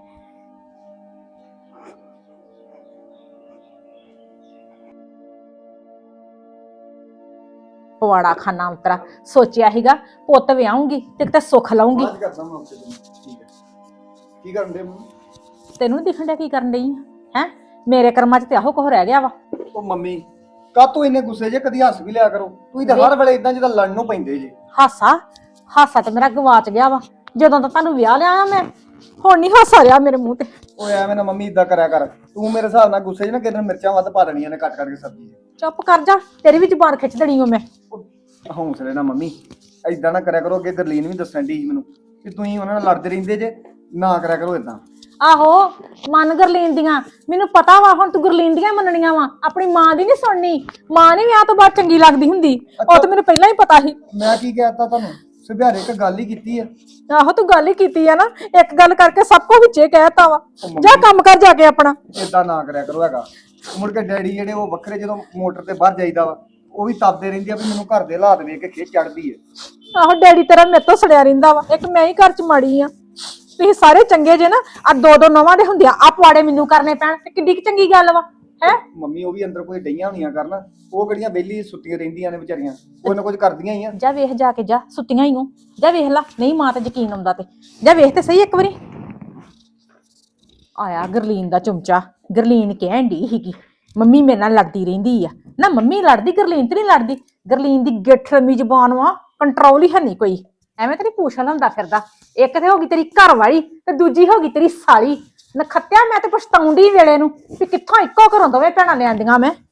ਪਵਾੜਾ ਖਾਨਾ ਉਤਰਾ ਸੋਚਿਆ ਸੀਗਾ ਪੁੱਤ ਵਿਆਹੂੰਗੀ ਤੇ ਕਿਤੇ ਸੁੱਖ ਲਾਉਂਗੀ।
ਬਾਅਦ ਕਰਦਾ ਮੈਂ ਆਪਸੇ ਠੀਕ ਹੈ। ਕੀ ਕਰਨ ਦੇ ਮੰਮੀ?
ਤੈਨੂੰ ਨੀ ਦਿਖਣ ਡਿਆ ਕੀ ਕਰਨ ਡਈ ਹੈ? ਮੇਰੇ ਕਰਮਾਂ 'ਚ ਤੇ ਆਹੋ ਕੁਝ ਰਹਿ ਗਿਆ ਵਾ।
ਉਹ ਮੰਮੀ ਕਾਹਤੋਂ ਇੰਨੇ ਗੁੱਸੇ ਜੇ? ਕਦੀ ਹੱਸ ਵੀ ਲਿਆ ਕਰੋ। ਤੁਸੀਂ ਤਾਂ ਹਰ ਵੇਲੇ ਇਦਾਂ ਜਿੱਦਾਂ ਲੜਨ ਨੂੰ ਪੈਂਦੇ ਜੇ।
ਹਾਸਾ ਤੇ ਮੇਰਾ ਗਵਾਚ ਗਿਆ ਵਾ ਜਦੋਂ ਤਾਂ ਤੁਹਾਨੂੰ ਵਿਆਹ ਲਿਆ ਮੈਂ। ਹੁਣ ਨਹੀਂ ਹਾਸਾ ਰਿਹਾ ਮੇਰੇ ਮੂੰਹ ਤੇ।
ਓਏ ਐਵੇਂ ਨਾ ਮੰਮੀ ਇਦਾਂ ਕਰਿਆ ਕਰ। ਤੂੰ ਮੇਰੇ ਹਿਸਾਬ ਨਾਲ ਗੁੱਸੇ 'ਚ ਨਾ ਕਿਤੇ ਮਿਰਚਾਂ ਵੱਧ ਪਾ ਦੇਣੀਆਂ ਨੇ ਕੱਟ ਕੇ ਸਬਜ਼ੀ 'ਚ।
ਚੁੱਪ ਕਰ ਜਾ, ਤੇਰੀ ਵੀ ਜ਼ੁਬਾਨ ਖਿੱਚ ਦੇਣੀ ਓ ਮੈਂ।
ਹੌਂਸਲੇ ਨਾ ਮੰਮੀ ਇਦਾਂ ਨਾ ਕਰਿਆ ਕਰੋ। ਅੱਗੇ ਗਰਲੀਨ ਵੀ ਦੱਸਣ ਦੀ ਮੈਨੂੰ ਕਿ ਤੁਸੀਂ ਉਹਨਾਂ ਨਾਲ ਲੜਦੇ ਰਹਿੰਦੇ ਜੇ, ਨਾ ਕਰਿਆ ਕਰੋ ਇਦਾਂ।
ਆਹੋ ਮਨ ਗੁਰਲੀਨ ਦੀਆਂ, ਮੈਨੂੰ ਪਤਾ ਵਾ ਹੁਣ ਤੂੰ ਗੁਰਲੀਨ ਦੀਆਂ ਮੰਨਣੀਆਂ ਵਾ, ਆਪਣੀ ਮਾਂ ਦੀ ਨਹੀਂ ਸੁਣਨੀ। ਮਾਂ ਨੇ ਵਿਆਹ ਤੋਂ ਬਾਅਦ ਚੰਗੀ ਲੱਗਦੀ ਹੁੰਦੀ, ਉਹ ਤਾਂ ਮੈਨੂੰ ਪਹਿਲਾਂ ਹੀ ਪਤਾ ਸੀ।
ਮੈਂ ਕੀ ਕਹਿਤਾ ਤੁਹਾਨੂੰ? ਸੁਭਿਆਰੇ ਇੱਕ ਗੱਲ ਹੀ ਕੀਤੀ ਆ।
ਆਹੋ ਤੂੰ ਗੱਲ ਹੀ ਕੀਤੀ ਆ ਨਾ, ਇੱਕ ਗੱਲ ਕਰਕੇ ਸਭ ਕੁਝ ਵਿੱਚੇ ਕਹਿਤਾ ਵਾ। ਜਾ ਕੰਮ ਕਰ ਜਾ ਕੇ ਆਪਣਾ।
ਇਦਾਂ ਨਾ ਕਰਿਆ ਕਰੋ ਹੈਗਾ। ਮੁੜ ਕੇ ਡੈਡੀ ਜਿਹੜੇ ਉਹ ਵੱਖਰੇ ਜਦੋਂ ਮੋਟਰ ਤੇ ਬਾਹਰ ਜਾਈਦਾ ਵਾ, ਉਹ ਵੀ ਤਪਦੇ ਰਹਿੰਦੀ ਆ ਵੀ ਮੈਨੂੰ ਘਰ ਦੇ ਹਾਲਾਤ ਵੇਖ ਕੇ ਖਿੱਚ ਚੜਦੀ ਆ।
ਆਹੋ ਡੈਡੀ ਤੇਰਾ ਮੇਰੇ ਤੋਂ ਸੜਿਆ ਰਹਿੰਦਾ ਵਾ, ਇੱਕ ਮੈਂ ਹੀ ਘਰ ਚ ਮਾੜੀ ਆ। ਤੁਸੀਂ ਸਾਰੇ ਚੰਗੇ ਜੇ ਨਾ, ਆ ਦੋ ਨਵਾਂ ਦੇ ਹੁੰਦੇ ਆ ਪਵਾੜੇ ਮੈਨੂੰ ਕਰਨੇ ਪੈਣ ਤੇ ਕਿੱਡੀ ਚੰਗੀ ਗੱਲ ਵਾ। ਹੈ
ਮੰਮੀ ਉਹ ਵੀ ਅੰਦਰ ਕੋਈ ਡਈਆਂ ਹੋਣੀਆਂ ਕਰਨ, ਉਹ ਕਿਹੜੀਆਂ ਵਿਹਲੀ ਸੁੱਤੀਆਂ ਰਹਿੰਦੀਆਂ ਨੇ ਵਿਚਾਰੀਆਂ, ਕੋਈ ਨਾ ਕੁਝ ਕਰਦੀਆਂ ਹੀ ਆ।
ਜਾ ਵੇਖ ਜਾ ਕੇ ਜਾ, ਸੁੱਤੀਆਂ ਹੀ ਨੂੰ ਜਾ ਵੇਖ ਲਾ, ਨਹੀਂ ਮਾਂ ਤੇ ਯਕੀਨ ਆਉਂਦਾ ਤੇ ਜਾ ਵੇਖ ਤੇ ਸਹੀ ਇੱਕ ਵਾਰੀ। ਆਇਆ ਗਰਲੀਨ ਦਾ ਚਮਚਾ, ਗਰਲੀਨ ਕਹਿਣ ਡਈ ਸੀਗੀ ਮੰਮੀ ਮੇਰੇ ਨਾਲ ਲੜਦੀ ਰਹਿੰਦੀ ਆ। ਨਾ ਮੰਮੀ ਲੜਦੀ, ਗਰਲੀਨ ਤੇ ਨਹੀਂ ਲੜਦੀ। ਗਰਲੀਨ ਦੀ ਗਿੱਠ ਲੰਮੀ ਜ਼ੁਬਾਨ ਵਾ, ਕੰਟਰੋਲ ਹੀ ਹੈ ਨਹੀਂ ਕੋਈ। ਐਵੇਂ ਤੇਰੀ ਪੂਛ ਲੰਦਾ ਫਿਰਦਾ। ਇੱਕ ਤੇ ਹੋ ਗਈ ਤੇਰੀ ਘਰ ਵਾਲੀ ਤੇ ਦੂਜੀ ਹੋ ਗਈ ਤੇਰੀ ਸਾਲੀ। ਨਖੱਤਿਆ ਮੈਂ ਤੇ ਪਛਤਾਉਂਦੀ ਵੇਲੇ ਨੂੰ ਵੀ ਕਿੱਥੋਂ ਇੱਕੋ ਘਰੋਂ ਦੋਵੇਂ ਭੈਣਾਂ ਲਿਆਂਦੀਆਂ ਮੈਂ।